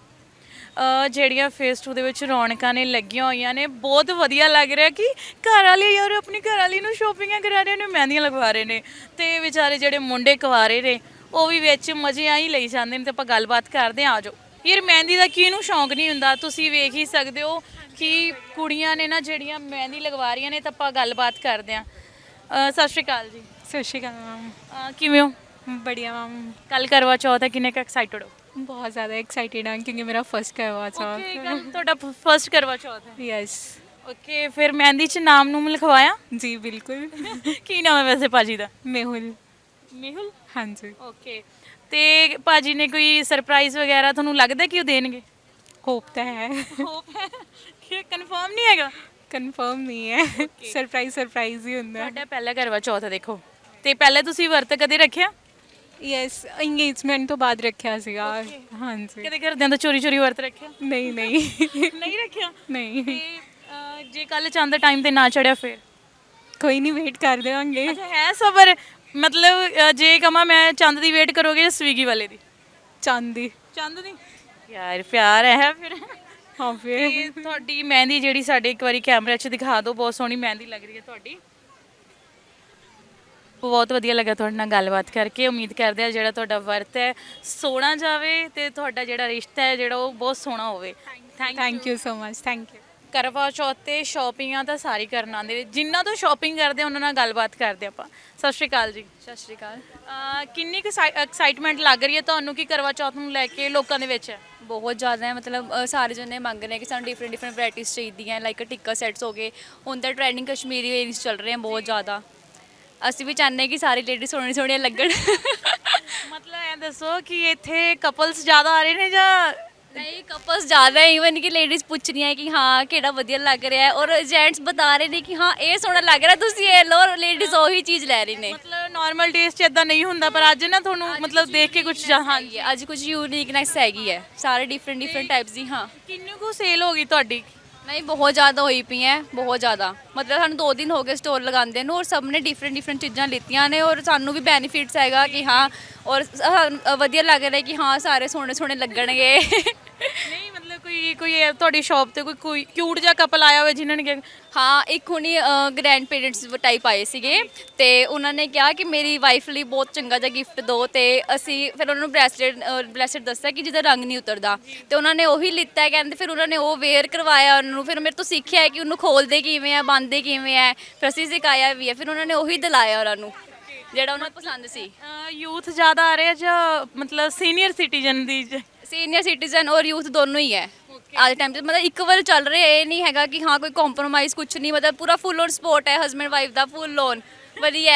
[SPEAKER 1] ਜਿਹੜੀਆਂ ਫੇਸ 2 ਦੇ ਵਿੱਚ ਰੌਣਕਾਂ ਨੇ ਲੱਗੀਆਂ ਹੋਈਆਂ ਨੇ, ਬਹੁਤ ਵਧੀਆ ਲੱਗ ਰਿਹਾ ਕਿ ਘਰ ਵਾਲੇ ਯਾਰ ਆਪਣੀ ਘਰ ਵਾਲੀ ਨੂੰ ਸ਼ੋਪਿੰਗਾਂ ਕਰਾ ਰਹੇ ਨੇ, ਮਹਿੰਦੀਆਂ ਲਗਵਾ ਰਹੇ ਨੇ, ਤੇ ਵਿਚਾਰੇ ਜਿਹੜੇ ਮੁੰਡੇ ਕੁਆਰੇ ਨੇ ਉਹ ਵੀ ਵਿੱਚ ਮਜ਼ੇ ਆ ਹੀ ਲਈ ਜਾਂਦੇ ਨੇ। ਤੇ ਆਪਾਂ ਗੱਲਬਾਤ ਕਰਦੇ ਹਾਂ, ਆ ਜਾਓ। ਯਾਰ ਮਹਿੰਦੀ ਦਾ ਕਿਹਨੂੰ ਸ਼ੌਂਕ ਨਹੀਂ ਹੁੰਦਾ, ਤੁਸੀਂ ਵੇਖ ਹੀ ਸਕਦੇ ਹੋ ਕਿ ਕੁੜੀਆਂ ਨੇ ਨਾ ਜਿਹੜੀਆਂ ਮਹਿੰਦੀ ਲਗਵਾ ਰਹੀਆਂ ਨੇ। ਤਾਂ ਆਪਾਂ ਗੱਲਬਾਤ ਕਰਦੇ ਹਾਂ। ਸਤਿ ਸ਼੍ਰੀ ਅਕਾਲ ਜੀ।
[SPEAKER 5] ਸਤਿ ਸ਼੍ਰੀ ਅਕਾਲ ਮੈਮ।
[SPEAKER 1] ਕਿਵੇਂ ਹੋ?
[SPEAKER 5] बढ़िया मैम।
[SPEAKER 1] ਕੱਲ ਕਰਵਾ ਚੌਥ ਹੈ, ਕਿੰਨੇ ਕੁ ਐਕਸਾਈਟਡ ਹੋ?
[SPEAKER 5] बहुत ज़्यादा एक्साइटेड हाँ, क्योंकि मेरा फर्स्ट करवा चौथ।
[SPEAKER 1] ਓਕੇ, ਕੱਲ ਤੁਹਾਡਾ ਫਰਸਟ ਕਰਵਾ ਚੌਥ ਹੈ।
[SPEAKER 5] यस
[SPEAKER 1] ਓਕੇ, ਫਿਰ ਮਹਿੰਦੀ 'ਚ ਨਾਮ ਨੂੰ ਲਿਖਵਾਇਆ?
[SPEAKER 5] जी बिल्कुल।
[SPEAKER 1] ਕੀ ਨਾਮ ਹੈ ਵੈਸੇ ਭਾਜੀ ਦਾ?
[SPEAKER 5] मेहुल।
[SPEAKER 1] ਮੇਹੁਲ।
[SPEAKER 5] हाँ जी।
[SPEAKER 1] ਓਕੇ, ਤੇ ਭਾਜੀ ਨੇ ਕੋਈ ਸਰਪ੍ਰਾਈਜ਼ ਵਗੈਰਾ ਤੁਹਾਨੂੰ ਲੱਗਦਾ ਕਿ ਉਹ ਦੇਣਗੇ?
[SPEAKER 5] होप तो है,
[SPEAKER 1] ਹੋਪ ਹੈ ਕਿ ਕਨਫਰਮ ਨਹੀਂ ਹੈਗਾ?
[SPEAKER 5] कंफर्म नहीं है। सरप्राइज ही होंगे।
[SPEAKER 1] ਤੁਹਾਡਾ ਪਹਿਲਾ ਕਰਵਾ ਚੌਥ ਹੈ ਦੇਖੋ, ਤੇ ਪਹਿਲੇ ਤੁਸੀਂ ਵਰਤ ਕਦੇ ਰੱਖਿਆ?
[SPEAKER 5] यस इंगेजमेंट तो बाद रखा सीगा। हाँ जी।
[SPEAKER 1] ਕਦੇ ਘਰਦਿਆਂ ਤੋਂ ਚੋਰੀ ਚੋਰੀ ਵਰਤ ਰੱਖਿਆ?
[SPEAKER 5] नहीं नहीं
[SPEAKER 1] ਨਹੀਂ ਰੱਖਿਆ?
[SPEAKER 5] नहीं।
[SPEAKER 1] ਤੇ ਜੇ ਕੱਲ ਚੰਦ ਟਾਈਮ ਤੇ ਨਾ ਚੜਿਆ ਫਿਰ?
[SPEAKER 5] कोई नहीं, वेट कर देंगे।
[SPEAKER 1] ਅੱਛਾ, ਹੈ ਸਬਰ? ਮਤਲਬ ਜੇ ਕਮਾ ਮੈਂ ਚੰਦ ਦੀ ਵੇਟ ਕਰੋਗੇ ਜਾਂ ਸਵੀਗੀ ਵਾਲੇ ਦੀ?
[SPEAKER 5] चांदी।
[SPEAKER 1] ਚੰਦ ਦੀ? ਯਾਰ ਪਿਆਰ ਹੈ ਫਿਰ।
[SPEAKER 5] हाँ फिर।
[SPEAKER 1] ਤੇ ਤੁਹਾਡੀ ਮਹਿੰਦੀ ਜਿਹੜੀ ਸਾਡੇ ਇੱਕ ਵਾਰੀ ਕੈਮਰੇ 'ਚ ਦਿਖਾ ਦਿਓ, ਬਹੁਤ ਸੋਹਣੀ ਮਹਿੰਦੀ ਲੱਗ ਰਹੀ ਹੈ ਤੁਹਾਡੀ। ਬਹੁਤ ਵਧੀਆ ਲੱਗਾ ਤੁਹਾਡੇ ਨਾਲ ਗੱਲਬਾਤ ਕਰਕੇ। ਉਮੀਦ ਕਰਦੇ ਆ ਜਿਹੜਾ ਤੁਹਾਡਾ ਵਰਤ ਹੈ ਸੋਹਣਾ ਜਾਵੇ ਤੇ ਤੁਹਾਡਾ ਜਿਹੜਾ ਰਿਸ਼ਤਾ ਹੈ ਜਿਹੜਾ ਉਹ ਬਹੁਤ ਸੋਹਣਾ ਹੋਵੇ।
[SPEAKER 5] Thank you so much, thank you.
[SPEAKER 1] Karva Chauth ਤੇ ਸ਼ਾਪਿੰਗਾਂ ਤਾਂ ਸਾਰੀ ਕਰਨ ਆਉਂਦੇ, ਜਿਨ੍ਹਾਂ ਤੋਂ ਸ਼ਾਪਿੰਗ ਕਰਦੇ ਉਹਨਾਂ ਨਾਲ ਗੱਲਬਾਤ ਕਰਦੇ ਆਪਾਂ। ਸਤਿ ਸ਼੍ਰੀ ਅਕਾਲ ਜੀ।
[SPEAKER 6] ਸਤਿ ਸ਼੍ਰੀ ਅਕਾਲ।
[SPEAKER 1] ਕਿੰਨੀ ਕੁ ਐਕਸਾਈਟਮੈਂਟ ਲੱਗ ਰਹੀ ਹੈ ਤੁਹਾਨੂੰ ਕਿ ਕਰਵਾ ਚੌਥ ਨੂੰ ਲੈ ਕੇ ਲੋਕਾਂ ਦੇ ਵਿੱਚ?
[SPEAKER 6] ਬਹੁਤ ਜ਼ਿਆਦਾ ਹੈ, ਮਤਲਬ ਸਾਰੇ ਜਣੇ ਮੰਗ ਰਹੇ ਕਿ ਸਾਨੂੰ ਡਿਫਰੈਂਟ ਵੈਰਾਈਟੀਜ਼ ਚਾਹੀਦੀਆਂ, ਲਾਈਕ ਟਿੱਕਾ ਸੈੱਟਸ ਹੋ ਗਏ। ਹੁਣ ਤਾਂ ਟ੍ਰੈਂਡਿੰਗ ਕਸ਼ਮੀਰੀ ਵੇਅਰਸ ਚੱਲ ਰਹੇ ਆ ਬਹੁਤ ਜ਼ਿਆਦਾ। ਅਸੀਂ ਵੀ ਚਾਹੁੰਦੇ ਹਾਂ ਕਿ ਸਾਰੀ ਲੇਡੀਜ਼ ਸੋਹਣੀਆਂ ਲੱਗਣ।
[SPEAKER 1] ਮਤਲਬ ਇਹ ਦੱਸੋ ਕਿ ਇੱਥੇ ਕਪਲਸ ਜ਼ਿਆਦਾ ਆ ਰਹੇ ਨੇ ਜਾਂ?
[SPEAKER 6] ਨਹੀਂ, ਕਪਲਸ ਜ਼ਿਆਦਾ ਹੈ, ਈਵਨ ਕਿ ਲੇਡੀਜ਼ ਪੁੱਛ ਰਹੀਆਂ ਕਿ ਹਾਂ ਕਿਹੜਾ ਵਧੀਆ ਲੱਗ ਰਿਹਾ ਹੈ, ਔਰ ਜੈਂਟਸ ਬਤਾ ਰਹੇ ਨੇ ਕਿ ਹਾਂ ਇਹ ਸੋਹਣਾ ਲੱਗ ਰਿਹਾ, ਤੁਸੀਂ ਇਹ ਲਓ। ਲੇਡੀਜ਼ ਉਹੀ ਚੀਜ਼ ਲੈ ਰਹੀ ਨੇ।
[SPEAKER 1] ਮਤਲਬ ਨਾਰਮਲ ਟੇਸਟ ਇਦਾਂ ਨਹੀਂ ਹੁੰਦਾ, ਪਰ ਅੱਜ ਨਾ ਤੁਹਾਨੂੰ ਮਤਲਬ ਦੇਖ ਕੇ ਕੁਝ
[SPEAKER 6] ਹਾਂਜੀ, ਅੱਜ ਕੁਝ ਯੂਨੀਕਨੈਸ ਹੈਗੀ ਹੈ, ਸਾਰੇ ਡਿਫਰੈਂਟ ਟਾਈਪਸ ਦੀ। ਹਾਂ,
[SPEAKER 1] ਕਿੰਨੀ ਕੁ ਸੇਲ ਹੋ ਗਈ ਤੁਹਾਡੀ?
[SPEAKER 6] ਨਹੀਂ ਬਹੁਤ ਜ਼ਿਆਦਾ ਹੋਈ ਪਈ ਹੈ, ਬਹੁਤ ਜ਼ਿਆਦਾ। ਮਤਲਬ ਸਾਨੂੰ 2 ਦਿਨ ਹੋ ਗਏ ਸਟੋਰ ਲਗਾਉਂਦੇ ਨੂੰ, ਔਰ ਸਭ ਨੇ ਡਿਫਰੈਂਟ ਚੀਜ਼ਾਂ ਲਿੱਤੀਆਂ ਨੇ, ਔਰ ਸਾਨੂੰ ਵੀ ਬੈਨੀਫਿਟਸ ਹੈਗਾ ਕਿ ਹਾਂ, ਔਰ ਵਧੀਆ ਲੱਗ ਰਿਹਾ ਕਿ ਹਾਂ ਸਾਰੇ ਸੋਹਣੇ ਲੱਗਣਗੇ।
[SPEAKER 1] ਨਹੀਂ ਮਤਲਬ ਕੋਈ ਤੁਹਾਡੀ ਸ਼ਾਪ ਤੇ ਕੋਈ ਕਿਊਟ ਜਿਹਾ ਕਪਲ ਆਇਆ ਹੋਵੇ ਜਿਨ੍ਹਾਂ ਨੇ ਕਿਹਾ?
[SPEAKER 6] ਹਾਂ, ਇੱਕ ਹੁਣੀ ਗ੍ਰੈਂਡ ਪੇਰੈਂਟਸ ਟਾਈਪ ਆਏ ਸੀਗੇ, ਤੇ ਉਹਨਾਂ ਨੇ ਕਿਹਾ ਕਿ ਮੇਰੀ ਵਾਈਫ ਲਈ ਬਹੁਤ ਚੰਗਾ ਜਿਹਾ ਗਿਫਟ ਦਿਓ। ਤੇ ਅਸੀਂ ਫਿਰ ਉਹਨਾਂ ਨੂੰ ਬ੍ਰੈਸਲੇਟ ਦੱਸਿਆ ਕਿ ਜਿਹਦਾ ਰੰਗ ਨਹੀਂ ਉਤਰਦਾ, ਤੇ ਉਹਨਾਂ ਨੇ ਉਹੀ ਲਿੱਤਾ ਹੈ। ਕਹਿੰਦੇ ਫਿਰ ਉਹਨਾਂ ਨੇ ਉਹ ਵੇਅਰ ਕਰਵਾਇਆ ਉਹਨੂੰ, ਫਿਰ ਮੇਰੇ ਤੋਂ ਸਿੱਖਿਆ ਹੈ ਕਿ ਉਹਨੂੰ ਖੋਲਦੇ ਕਿਵੇਂ ਆ, ਬੰਨਦੇ ਕਿਵੇਂ ਆ, ਫਿਰ ਅਸੀਂ ਸਿਖਾਇਆ ਵੀ ਹੈ। ਫਿਰ ਉਹਨਾਂ ਨੇ ਉਹੀ ਦਿਲਾਇਆ ਉਹਨਾਂ ਨੂੰ ਜਿਹੜਾ ਉਹਨਾਂ ਨੂੰ ਪਸੰਦ ਸੀ।
[SPEAKER 1] ਯੂਥ ਜ਼ਿਆਦਾ ਆ ਰਿਹਾ ਜਾਂ ਮਤਲਬ ਸੀਨੀਅਰ ਸਿਟੀਜ਼ਨ ਦੀ?
[SPEAKER 6] ਸੀਨੀਅਰ ਸਿਟੀਜ਼ਨ ਔਰ ਯੂਥ ਦੋਨੋਂ ਹੀ ਹੈ ਅੱਜ ਦੇ ਟਾਈਮ 'ਚ, ਮਤਲਬ ਇਕਵਲ ਚੱਲ ਰਿਹਾ। ਇਹ ਨਹੀਂ ਹੈਗਾ ਕਿ ਹਾਂ ਕੋਈ ਕੰਪਰੋਮਾਈਜ਼, ਕੁਝ ਨਹੀਂ, ਮਤਲਬ ਪੂਰਾ ਫੁੱਲ ਔਨ ਸਪੋਰਟ ਹੈ ਹਸਬੈਂਡ ਵਾਈਫ ਦਾ, ਫੁੱਲ ਔਨ। ਵਧੀਆ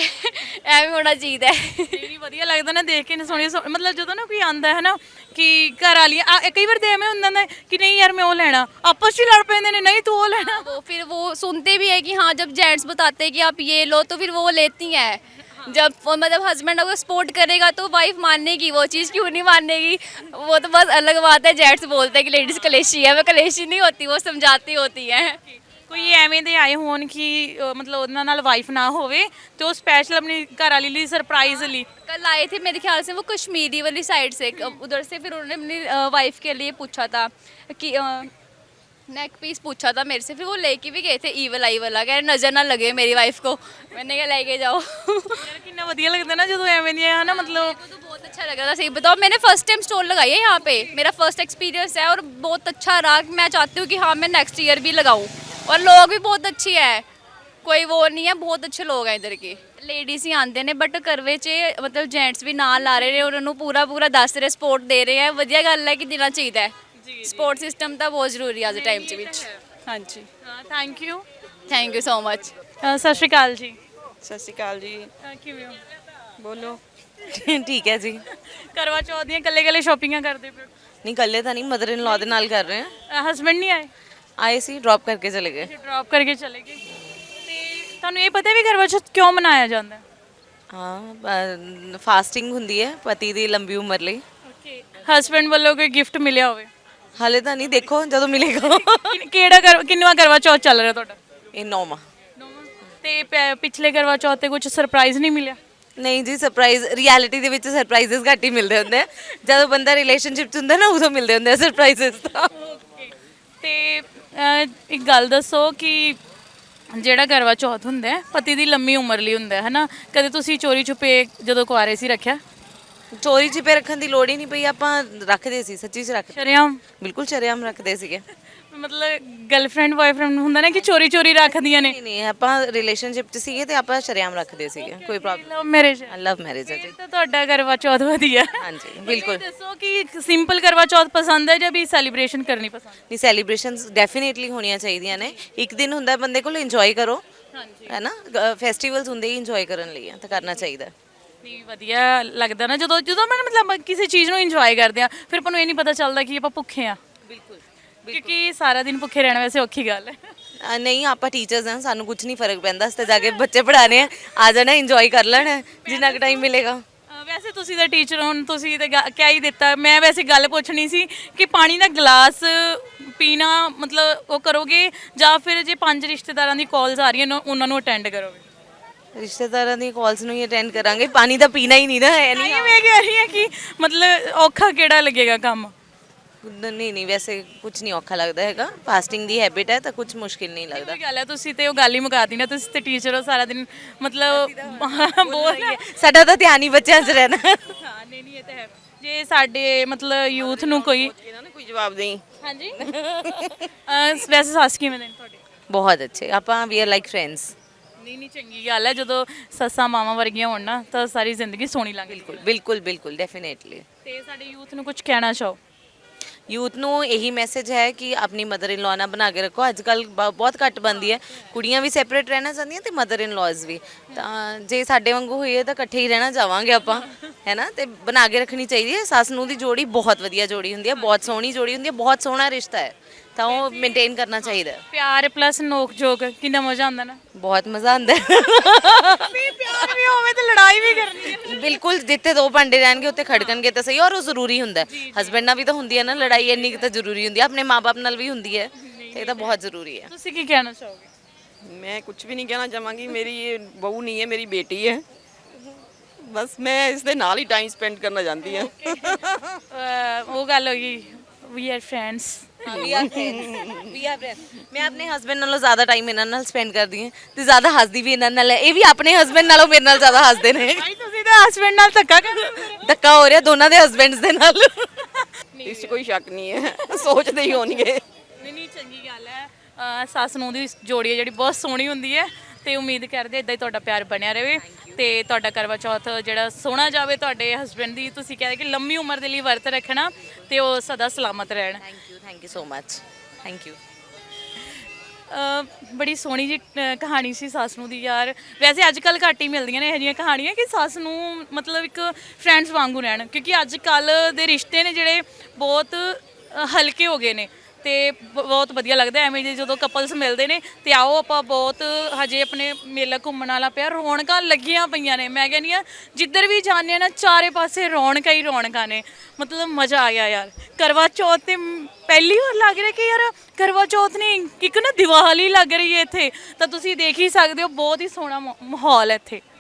[SPEAKER 6] ਐਵੇਂ ਹੋਣਾ ਚਾਹੀਦਾ ਹੈ।
[SPEAKER 1] ਨਹੀਂ ਵਧੀਆ ਲੱਗਦਾ ਨਾ ਦੇਖ ਕੇ, ਸੋਹਣੀ ਮਤਲਬ ਜਦੋਂ ਨਾ ਕੋਈ ਆਂਦਾ ਹੈ ਨਾ ਕਿ ਘਰ ਵਾਲੀਆਂ, ਕਈ ਵਾਰ ਤੇ ਐਵੇਂ ਹੁੰਦਾ ਕਿ ਨਹੀਂ ਯਾਰ ਮੈਂ ਉਹ ਲੈਣਾ, ਆਪਸ 'ਚ ਲੜ ਪੈਂਦੇ ਨੇ, नहीं तो वो लेना।
[SPEAKER 6] वो फिर वो सुनते भी है कि हाँ, जब जेंट्स बताते हैं कि आप ये लो तो फिर वो लेती हैं। जब मतलब हस्बैंड अगर सपोर्ट करेगा तो वाइफ मानेगी, वो चीज़ क्यों नहीं मानेगी? वो तो बस अलग बात है। जेंट्स बोलते हैं कि लेडीज़ कलेशी है, वो कलेशी नहीं होती, वो समझाती होती हैं।
[SPEAKER 1] ਕੋਈ ਐਵੇਂ ਦੇ ਆਏ ਹੋਣ ਕਿ ਮਤਲਬ ਉਹਨਾਂ ਨਾਲ ਵਾਈਫ ਨਾ ਹੋਵੇ ਤੇ ਉਹ ਸਪੈਸ਼ਲ ਆਪਣੀ ਘਰ ਵਾਲੀ ਲਈ ਸਰਪ੍ਰਾਈਜ਼ ਲਈ?
[SPEAKER 6] कल आए थे मेरे ख्याल से वो कश्मीरी वाली साइड से, उधर से। फिर उन्होंने अपनी वाइफ के लिए पूछा था कि नेक पीस पूछा था मेरे से, फिर वो लेके भी गए थे ईवल आई वाला, कह रहे नज़र ना लगे मेरी वाइफ को। मैंने कहा लेके जाओ।
[SPEAKER 1] ਯਾਰ ਕਿੰਨਾ ਵਧੀਆ ਲੱਗਦਾ ਨਾ ਜਦੋਂ ਐਵੇਂ ਦੀਆਂ ਹੈ ਨਾ ਮਤਲਬ
[SPEAKER 6] मेरे को तो बहुत अच्छा लग रहा था, सही बताओ। मैंने फर्स्ट टाइम स्टॉल लगाई है यहाँ पे, मेरा फर्स्ट एक्सपीरियंस है और बहुत अच्छा रहा। मैं चाहती हूँ कि हाँ मैं नेक्स्ट ईयर भी लगाऊँ। और लोग भी बहुत अच्छे हैं, कोई वो नहीं है, बहुत अच्छे लोग हैं इधर के। ਲੇਡੀਜ਼ ਹੀ ਆਉਂਦੇ ਨੇ ਬਟ ਕਰਵੇ 'ਚ ਮਤਲਬ ਜੈਂਟਸ ਵੀ ਨਾਲ ਆ ਰਹੇ ਨੇ, ਉਹਨਾਂ ਨੂੰ ਪੂਰਾ ਦੱਸ ਰਹੇ, ਸਪੋਰਟ ਦੇ ਰਹੇ ਹੈ। ਵਧੀਆ ਗੱਲ ਹੈ ਕਿ ਦੇਣਾ ਚਾਹੀਦਾ ਹੈ। ਸਪੋਰਟ ਸਿਸਟਮ ਤਾਂ ਬਹੁਤ ਜ਼ਰੂਰੀ ਹੈ ਅੱਜ ਟਾਈਮ 'ਚ ਵਿੱਚ। ਹਾਂਜੀ,
[SPEAKER 1] thank you
[SPEAKER 6] thank you so much.
[SPEAKER 1] ਸਤਿ ਸ਼੍ਰੀ ਅਕਾਲ ਜੀ।
[SPEAKER 9] ਸਤਿ ਸ਼੍ਰੀ ਅਕਾਲ ਜੀ।
[SPEAKER 1] ਕਿਵੇਂ ਹੋ?
[SPEAKER 9] ਬੋਲੋ। ਠੀਕ ਹੈ ਜੀ।
[SPEAKER 1] ਕਰਵਾ ਚੌਥ ਦੀਆਂ ਕੱਲੇ ਸ਼ਾਪਿੰਗਾਂ ਕਰਦੇ ਪਏ
[SPEAKER 9] ਨਹੀਂ ਕੱਲੇ ਤਾਂ ਨਹੀਂ, ਮਦਰ ਇਨ ਲਾਅ ਦੇ ਨਾਲ ਕਰ ਰਹੇ ਹਾਂ।
[SPEAKER 1] ਹੋ? ਹਸਬੈਂਡ ਨਹੀਂ ਆਏ?
[SPEAKER 9] ਆਏ ਸੀ, ਡ੍ਰੌਪ ਕਰਕੇ ਚਲੇ ਗਏ।
[SPEAKER 1] ਡ੍ਰੌਪ ਕਰਕੇ ਚਲੇ ਗਏ। ਤੇ ਤੁਹਾਨੂੰ ਇਹ ਪਤਾ ਵੀ ਕਰਵਾ ਚੌਥ ਕਿਉਂ ਮਨਾਇਆ ਜਾਂਦਾ ਹੈ?
[SPEAKER 9] ਹਾਂ, ਫਾਸਟਿੰਗ ਹੁੰਦੀ ਹੈ ਪਤੀ ਦੀ ਲੰਬੀ ਉਮਰ ਲਈ।
[SPEAKER 1] ਓਕੇ। ਹਸਬੈਂਡ ਵੱਲੋਂ ਕੋਈ ਗਿਫਟ ਮਿਲਿਆ ਹੋਵੇ?
[SPEAKER 9] ਹਾਲੇ ਤਾਂ ਨਹੀਂ, ਦੇਖੋ ਜਦੋਂ ਮਿਲੇਗਾ।
[SPEAKER 1] ਕਿੰਨਵਾਂ ਕਰਵਾ ਚੌਥ ਚੱਲ ਰਿਹਾ ਤੁਹਾਡਾ?
[SPEAKER 9] ਇਹ 9ਵਾਂ।
[SPEAKER 1] ਤੇ ਪਿਛਲੇ ਕਰਵਾ ਚੌਥ ਤੇ ਕੁਝ ਸਰਪ੍ਰਾਈਜ਼ ਨਹੀਂ ਮਿਲਿਆ?
[SPEAKER 9] ਨਹੀਂ ਜੀ, ਸਰਪ੍ਰਾਈਜ਼ ਰਿਐਲਿਟੀ ਦੇ ਵਿੱਚ ਸਰਪ੍ਰਾਈਜ਼ਸ ਘੱਟ ਹੀ ਮਿਲਦੇ ਹੁੰਦੇ ਆ। ਜਦੋਂ ਬੰਦਾ ਰਿਲੇਸ਼ਨਸ਼ਿਪ 'ਚ ਹੁੰਦਾ ਨਾ ਉਦੋਂ ਮਿਲਦੇ ਹੁੰਦੇ ਆ ਸਰਪ੍ਰਾਈਜ਼ਸ ਤਾਂ।
[SPEAKER 1] ਤੇ ਇੱਕ ਗੱਲ ਦੱਸੋ ਕਿ ਜਿਹੜਾ ਕਰਵਾ ਚੌਥ ਹੁੰਦਾ ਹੈ ਪਤੀ ਦੀ ਲੰਮੀ ਉਮਰ ਲਈ ਹੁੰਦਾ ਹੈ ਨਾ, ਕਦੇ ਤੁਸੀਂ ਚੋਰੀ ਛੁਪੇ ਜਦੋਂ ਕੁਆਰੇ ਸੀ ਰੱਖਿਆ?
[SPEAKER 9] ਚੋਰੀ ਛਿਪੇ ਰੱਖਣ ਦੀ ਲੋੜ ਹੀ ਨਹੀਂ ਪਈ, ਆਪਾਂ ਰੱਖਦੇ ਸੀ, ਸੱਚੀ 'ਚ ਰੱਖਦੇ,
[SPEAKER 1] ਸ਼ਰੇਆਮ?
[SPEAKER 9] ਬਿਲਕੁਲ ਸ਼ਰੇਆਮ ਰੱਖਦੇ ਸੀਗੇ।
[SPEAKER 1] ਮਤਲਬ ਗਰਲਫ੍ਰੈਂਡ ਬॉयਫ੍ਰੈਂਡ ਹੁੰਦਾ ਨਾ ਕਿ ਚੋਰੀ ਰੱਖਦੀਆਂ ਨੇ।
[SPEAKER 9] ਨਹੀਂ ਆਪਾਂ ਰਿਲੇਸ਼ਨਸ਼ਿਪ 'ਚ ਸੀਗੇ ਤੇ ਆਪਾਂ ਸ਼ਰੇਆਮ ਰੱਖਦੇ ਸੀਗੇ, ਕੋਈ problem.
[SPEAKER 1] Love marriage?
[SPEAKER 9] Love marriage ਹੈ ਜੀ।
[SPEAKER 1] ਤਾਂ ਤੁਹਾਡਾ ਕਰਵਾ ਚੌਥ ਵਧੀਆ।
[SPEAKER 9] ਹਾਂਜੀ ਬਿਲਕੁਲ।
[SPEAKER 1] ਦੱਸੋ ਕਿ ਸਿੰਪਲ ਕਰਵਾ ਚੌਥ ਪਸੰਦ ਹੈ ਜਾਂ ਵੀ ਸੈਲੀਬ੍ਰੇਸ਼ਨ ਕਰਨੀ ਪਸੰਦ?
[SPEAKER 9] ਨਹੀਂ, ਸੈਲੀਬ੍ਰੇਸ਼ਨਸ ਡੈਫੀਨੇਟਲੀ ਹੋਣੀਆਂ ਚਾਹੀਦੀਆਂ ਨੇ। ਇੱਕ ਦਿਨ ਹੁੰਦਾ ਹੈ ਬੰਦੇ ਕੋਲ, ਇੰਜੋਏ ਕਰੋ, ਹੈ ਨਾ। ਫੈਸਟੀਵਲਸ ਹੁੰਦੇ ਹੀ ਇੰਜੋਏ ਕਰਨ ਲਈ ਆ, ਤਾਂ ਕਰਨਾ ਚਾਹੀਦਾ।
[SPEAKER 1] ਨਹੀਂ ਵਧੀਆ ਲੱਗਦਾ ਨਾ ਜਦੋਂ ਮੈਂ ਮਤਲਬ ਕਿਸੇ ਚੀਜ਼ ਨੂੰ ਇੰਜੋਏ ਕਰਦੇ ਆ, ਫਿਰ ਆਪਾਂ ਨੂੰ ਇਹ ਨਹੀਂ ਪਤਾ ਚੱਲਦਾ ਕਿ ਆਪਾਂ ਭੁੱਖੇ ਆ।
[SPEAKER 9] ਬਿਲਕੁਲ।
[SPEAKER 1] ਕਿਉਂਕਿ ਸਾਰਾ ਦਿਨ ਭੁੱਖੇ ਰਹਿਣਾ ਵੈਸੇ ਔਖੀ ਗੱਲ ਹੈ।
[SPEAKER 9] ਨਹੀਂ, ਆਪਾਂ ਟੀਚਰਸ ਹਾਂ, ਸਾਨੂੰ ਕੁਝ ਨਹੀਂ ਫਰਕ ਪੈਂਦਾ। ਅਸੀਂ ਤਾਂ ਜਾ ਕੇ ਬੱਚੇ ਪੜ੍ਹਾਣੇ ਆ ਜਾਣਾ, ਇੰਜੋਏ ਕਰ ਲੈਣਾ ਜਿੰਨਾ ਕੁ ਟਾਈਮ ਮਿਲੇਗਾ।
[SPEAKER 1] ਵੈਸੇ ਤੁਸੀਂ ਤਾਂ ਟੀਚਰ ਹੋ, ਤੁਸੀਂ ਤਾਂ ਕਹਿ ਹੀ ਦਿੱਤਾ। ਮੈਂ ਵੈਸੇ ਗੱਲ ਪੁੱਛਣੀ ਸੀ ਕਿ ਪਾਣੀ ਦਾ ਗਲਾਸ ਪੀਣਾ ਮਤਲਬ ਉਹ ਕਰੋਗੇ ਜਾਂ ਫਿਰ ਜੇ 5 ਰਿਸ਼ਤੇਦਾਰਾਂ ਦੀ ਕਾਲਸ ਆ ਰਹੀਆਂ ਨੇ ਉਹਨਾਂ ਨੂੰ ਅਟੈਂਡ ਕਰੋਗੇ?
[SPEAKER 9] ਰਿਸ਼ਤੇਦਾਰਾਂ ਦੀ ਕਾਲਸ ਨੂੰ ਹੀ ਅਟੈਂਡ ਕਰਾਂਗੇ, ਪਾਣੀ ਤਾਂ ਪੀਣਾ ਹੀ ਨਹੀਂ ਨਾ ਹੈ। ਨਹੀਂ
[SPEAKER 1] ਮੈਂ ਕਹਿ ਰਹੀ ਹਾਂ ਕਿ ਮਤਲਬ ਔਖਾ ਕਿਹੜਾ ਲੱਗੇਗਾ ਕੰਮ?
[SPEAKER 9] ਨਹੀਂ ਵੈਸੇ ਕੁਝ ਨਹੀਂ ਔਖਾ ਲੱਗਦਾ ਹੈਗਾ। ਫਾਸਟਿੰਗ ਦੀ ਹੈਬਿਟ ਹੈ ਤਾਂ ਕੁਝ ਮੁਸ਼ਕਿਲ ਨਹੀਂ ਲੱਗਦਾ।
[SPEAKER 1] ਕੋਈ ਗੱਲ ਹੈ, ਤੁਸੀਂ ਤੇ ਉਹ ਗੱਲ ਹੀ ਮੁਕਾ ਦਿੱਤੀ ਨਾ। ਤੁਸੀਂ ਤੇ ਟੀਚਰ ਹੋ, ਸਾਰਾ ਦਿਨ ਮਤਲਬ ਬਹੁਤ
[SPEAKER 9] ਸਾਡਾ ਤਾਂ ਧਿਆਨ ਹੀ ਬੱਚਿਆਂ 'ਚ ਰਹਿਣਾ।
[SPEAKER 1] ਹਾਂ ਨਹੀਂ ਇਹ ਤਾਂ ਹੈ। ਜੇ ਸਾਡੇ ਮਤਲਬ ਯੂਥ ਨੂੰ ਕੋਈ
[SPEAKER 9] ਕੋਈ ਜਵਾਬ ਨਹੀਂ।
[SPEAKER 1] ਹਾਂਜੀ। ਵੈਸੇ ਸੱਸ ਕਿਵੇਂ ਨੇ ਤੁਹਾਡੇ?
[SPEAKER 9] ਬਹੁਤ ਅੱਛੇ, ਆਪਾਂ ਵੀ ਆਰ ਲਾਈਕ ਫਰੈਂਡਸ।
[SPEAKER 1] ਨਹੀਂ ਚੰਗੀ ਗੱਲ ਹੈ ਜਦੋਂ ਸੱਸਾਂ ਮਾਵਾਂ ਵਰਗੀਆਂ ਹੋਣ ਨਾ ਤਾਂ ਸਾਰੀ ਜ਼ਿੰਦਗੀ ਸੋਹਣੀ ਲੱਗਦੀ।
[SPEAKER 9] ਬਿਲਕੁਲ ਡੈਫੀਨੇਟਲੀ।
[SPEAKER 1] ਤੇ ਸਾਡੇ ਯੂਥ ਨੂੰ ਕੁਝ ਕਹਿਣਾ ਚਾਹੋ?
[SPEAKER 9] ਯੂਥ ਨੂੰ ਇਹੀ ਮੈਸੇਜ ਹੈ ਕਿ ਆਪਣੀ ਮਦਰ ਇਨ ਲਾਅ ਨਾ ਬਣਾ ਕੇ ਰੱਖੋ। ਅੱਜ ਕੱਲ ਬਹੁਤ ਘੱਟ ਬਣਦੀ ਹੈ, ਕੁੜੀਆਂ ਵੀ ਸੈਪਰੇਟ ਰਹਿਣਾ ਚਾਹੁੰਦੀਆਂ ਤੇ ਮਦਰ ਇਨ ਲਾਅਸ ਵੀ। ਤਾਂ ਜੇ ਸਾਡੇ ਵਾਂਗੂ ਹੋਈਏ ਤਾਂ ਇਕੱਠੇ ਹੀ ਰਹਿਣਾ ਚਾਹਾਂਗੇ ਆਪਾਂ, ਹੈ ਨਾ। ਤੇ ਬਣਾ ਕੇ ਰੱਖਣੀ ਚਾਹੀਦੀ ਹੈ। ਸੱਸ ਨੂੰ ਦੀ ਜੋੜੀ ਬਹੁਤ ਵਧੀਆ ਜੋੜੀ ਹੁੰਦੀ ਹੈ, ਬਹੁਤ ਸੋਹਣੀ ਜੋੜੀ ਹੁੰਦੀ ਹੈ, ਬਹੁਤ ਸੋਹਣਾ ਰਿਸ਼ਤਾ ਹੈ, ਤਾਂ ਉਹ ਮੇਨਟੇਨ ਕਰਨਾ ਚਾਹੀਦਾ ਹੈ।
[SPEAKER 1] ਪਿਆਰ ਪਲੱਸ ਨੋਕ ਝੋਕ ਕਿੰਨਾ ਮਜ਼ਾ ਆਉਂਦਾ ਨਾ।
[SPEAKER 9] ਬਹੁਤ ਮਜ਼ਾ ਆਉਂਦਾ ਹੈ।
[SPEAKER 1] ਨਹੀਂ ਪਿਆਰ ਵੀ ਹੋਵੇ ਤੇ ਲੜਾਈ ਵੀ ਕਰਨੀ ਹੈ।
[SPEAKER 9] ਬਿਲਕੁਲ, ਜਿੱਥੇ ਦੋ ਭਾਂਡੇ ਰਹਿਣਗੇ ਉੱਥੇ ਖੜਕਣਗੇ ਤਾਂ ਸਹੀ, ਔਰ ਉਹ ਜ਼ਰੂਰੀ ਹੁੰਦਾ ਹੈ। ਹਸਬੈਂਡ ਨਾਲ ਵੀ ਤਾਂ ਹੁੰਦੀ ਹੈ ਨਾ ਲੜਾਈ, ਇੰਨੀ ਕੁ ਤਾਂ ਜ਼ਰੂਰੀ ਹੁੰਦੀ ਹੈ। ਆਪਣੇ ਮਾਪੇ ਨਾਲ ਵੀ ਹੁੰਦੀ ਹੈ, ਤੇ ਇਹ ਤਾਂ ਬਹੁਤ ਜ਼ਰੂਰੀ ਹੈ।
[SPEAKER 1] ਤੁਸੀਂ ਕੀ ਕਹਿਣਾ ਚਾਹੋਗੇ?
[SPEAKER 10] मैं कुछ भी नहीं कहना चाहूँगी। मेरी ये बहू नहीं है, मेरी बेटी है। बस मैं इसके नाल ही टाइम स्पेंड करना चाहती हूँ।
[SPEAKER 1] ਉਹ ਗੱਲ ਹੋ ਗਈ ਵੀ ਆਰ ਫਰੈਂਡਸ।
[SPEAKER 9] ਮੈਂ ਆਪਣੇ ਹਸਬੈਂਡ ਨਾਲੋਂ ਜ਼ਿਆਦਾ ਟਾਈਮ ਇਹਨਾਂ ਨਾਲ ਸਪੈਂਡ ਕਰਦੀ ਹਾਂ ਤੇ ਜ਼ਿਆਦਾ ਹੱਸਦੀ ਵੀ ਇਹਨਾਂ ਨਾਲ ਹੈ। ਇਹ ਵੀ ਆਪਣੇ ਹਸਬੈਂਡ ਨਾਲੋਂ ਮੇਰੇ ਨਾਲ ਜ਼ਿਆਦਾ ਹੱਸਦੇ ਨੇ।
[SPEAKER 1] ਭਾਈ ਤੁਸੀਂ ਤਾਂ ਹਸਬੈਂਡ ਨਾਲ ਧੱਕਾ ਕਰਦੇ।
[SPEAKER 9] ਧੱਕਾ ਹੋ ਰਿਹਾ ਦੋਨਾਂ ਦੇ ਹਸਬੈਂਡਸ ਦੇ ਨਾਲ।
[SPEAKER 10] इस कोई शक नहीं है, सोचते ही होंगे।
[SPEAKER 1] ਨਹੀਂ ਚੰਗੀ ਗੱਲ ਹੈ। ਸੱਸ ਨੂੰ ਦੀ ਜੋੜੀ ਹੈ ਜਿਹੜੀ ਬਹੁਤ ਸੋਹਣੀ ਹੁੰਦੀ ਹੈ ਤੇ ਉਮੀਦ ਕਰਦੇ ਇਦਾਂ ਹੀ ਤੁਹਾਡਾ ਪਿਆਰ ਬਣਿਆ ਰਹੇ ਤੇ ਤੁਹਾਡਾ ਕਰਵਾ ਚੌਥ ਜਿਹੜਾ ਸੋਹਣਾ ਜਾਵੇ। ਤੁਹਾਡੇ ਹਸਬੈਂਡ ਦੀ ਤੁਸੀਂ ਕਹਿੰਦੇ ਕਿ ਲੰਮੀ ਉਮਰ ਦੇ ਲਈ ਵਰਤ ਰੱਖਣਾ ਤੇ ਉਹ ਸਦਾ ਸਲਾਮਤ ਰਹਿਣ।
[SPEAKER 9] Thank you so much. Thank you.
[SPEAKER 1] ਬੜੀ ਸੋਹਣੀ ਜੀ ਕਹਾਣੀ ਸੀ ਸੱਸ ਨੂੰ ਦੀ ਯਾਰ। ਵੈਸੇ ਅੱਜ ਕੱਲ ਘੱਟ ਹੀ ਮਿਲਦੀਆਂ ਨੇ ਇਹੋ ਜਿਹੀਆਂ ਕਹਾਣੀਆਂ ਕਿ ਸੱਸ ਨੂੰ ਮਤਲਬ ਇੱਕ ਫਰੈਂਡਸ ਵਾਂਗੂ ਰਹਿਣ, ਕਿਉਂਕਿ ਅੱਜ ਕੱਲ ਦੇ ਰਿਸ਼ਤੇ ਨੇ ਜਿਹੜੇ ਬਹੁਤ ਹਲਕੇ ਹੋ ਗਏ ਨੇ ਤੇ ਬਹੁਤ ਵਧੀਆ ਲੱਗਦਾ ਐਵੇਂ ਜੇ ਜਦੋਂ ਕਪਲਸ ਮਿਲਦੇ ਨੇ। ਤੇ ਆਓ ਆਪਾਂ ਬਹੁਤ ਹਜੇ ਆਪਣੇ ਮੇਲਾ ਘੁੰਮਣ ਵਾਲਾ ਪਿਆ, ਰੌਣਕਾਂ ਲੱਗੀਆਂ ਪਈਆਂ ਨੇ। ਮੈਂ ਕਹਿੰਦੀ ਆ ਜਿੱਧਰ ਵੀ ਜਾਂਦੇ ਆ ਨਾ ਚਾਰੇ ਪਾਸੇ ਰੌਣਕਾਂ ਹੀ ਰੌਣਕਾਂ ਨੇ। ਮਤਲਬ ਮਜ਼ਾ ਆ ਗਿਆ ਯਾਰ। ਕਰਵਾ ਚੌਥ ਤੇ ਪਹਿਲੀ ਵਾਰ ਲੱਗ ਰਿਹਾ ਕਿ ਯਾਰ ਕਰਵਾ ਚੌਥ ਨਹੀਂ ਇੱਕ ਨਾ ਦੀਵਾਲੀ ਲੱਗ ਰਹੀ ਹੈ ਇੱਥੇ, ਤਾਂ ਤੁਸੀਂ ਦੇਖ ਹੀ ਸਕਦੇ ਹੋ। ਬਹੁਤ ਹੀ ਸੋਹਣਾ ਮਾਹੌਲ ਹੈ ਇੱਥੇ।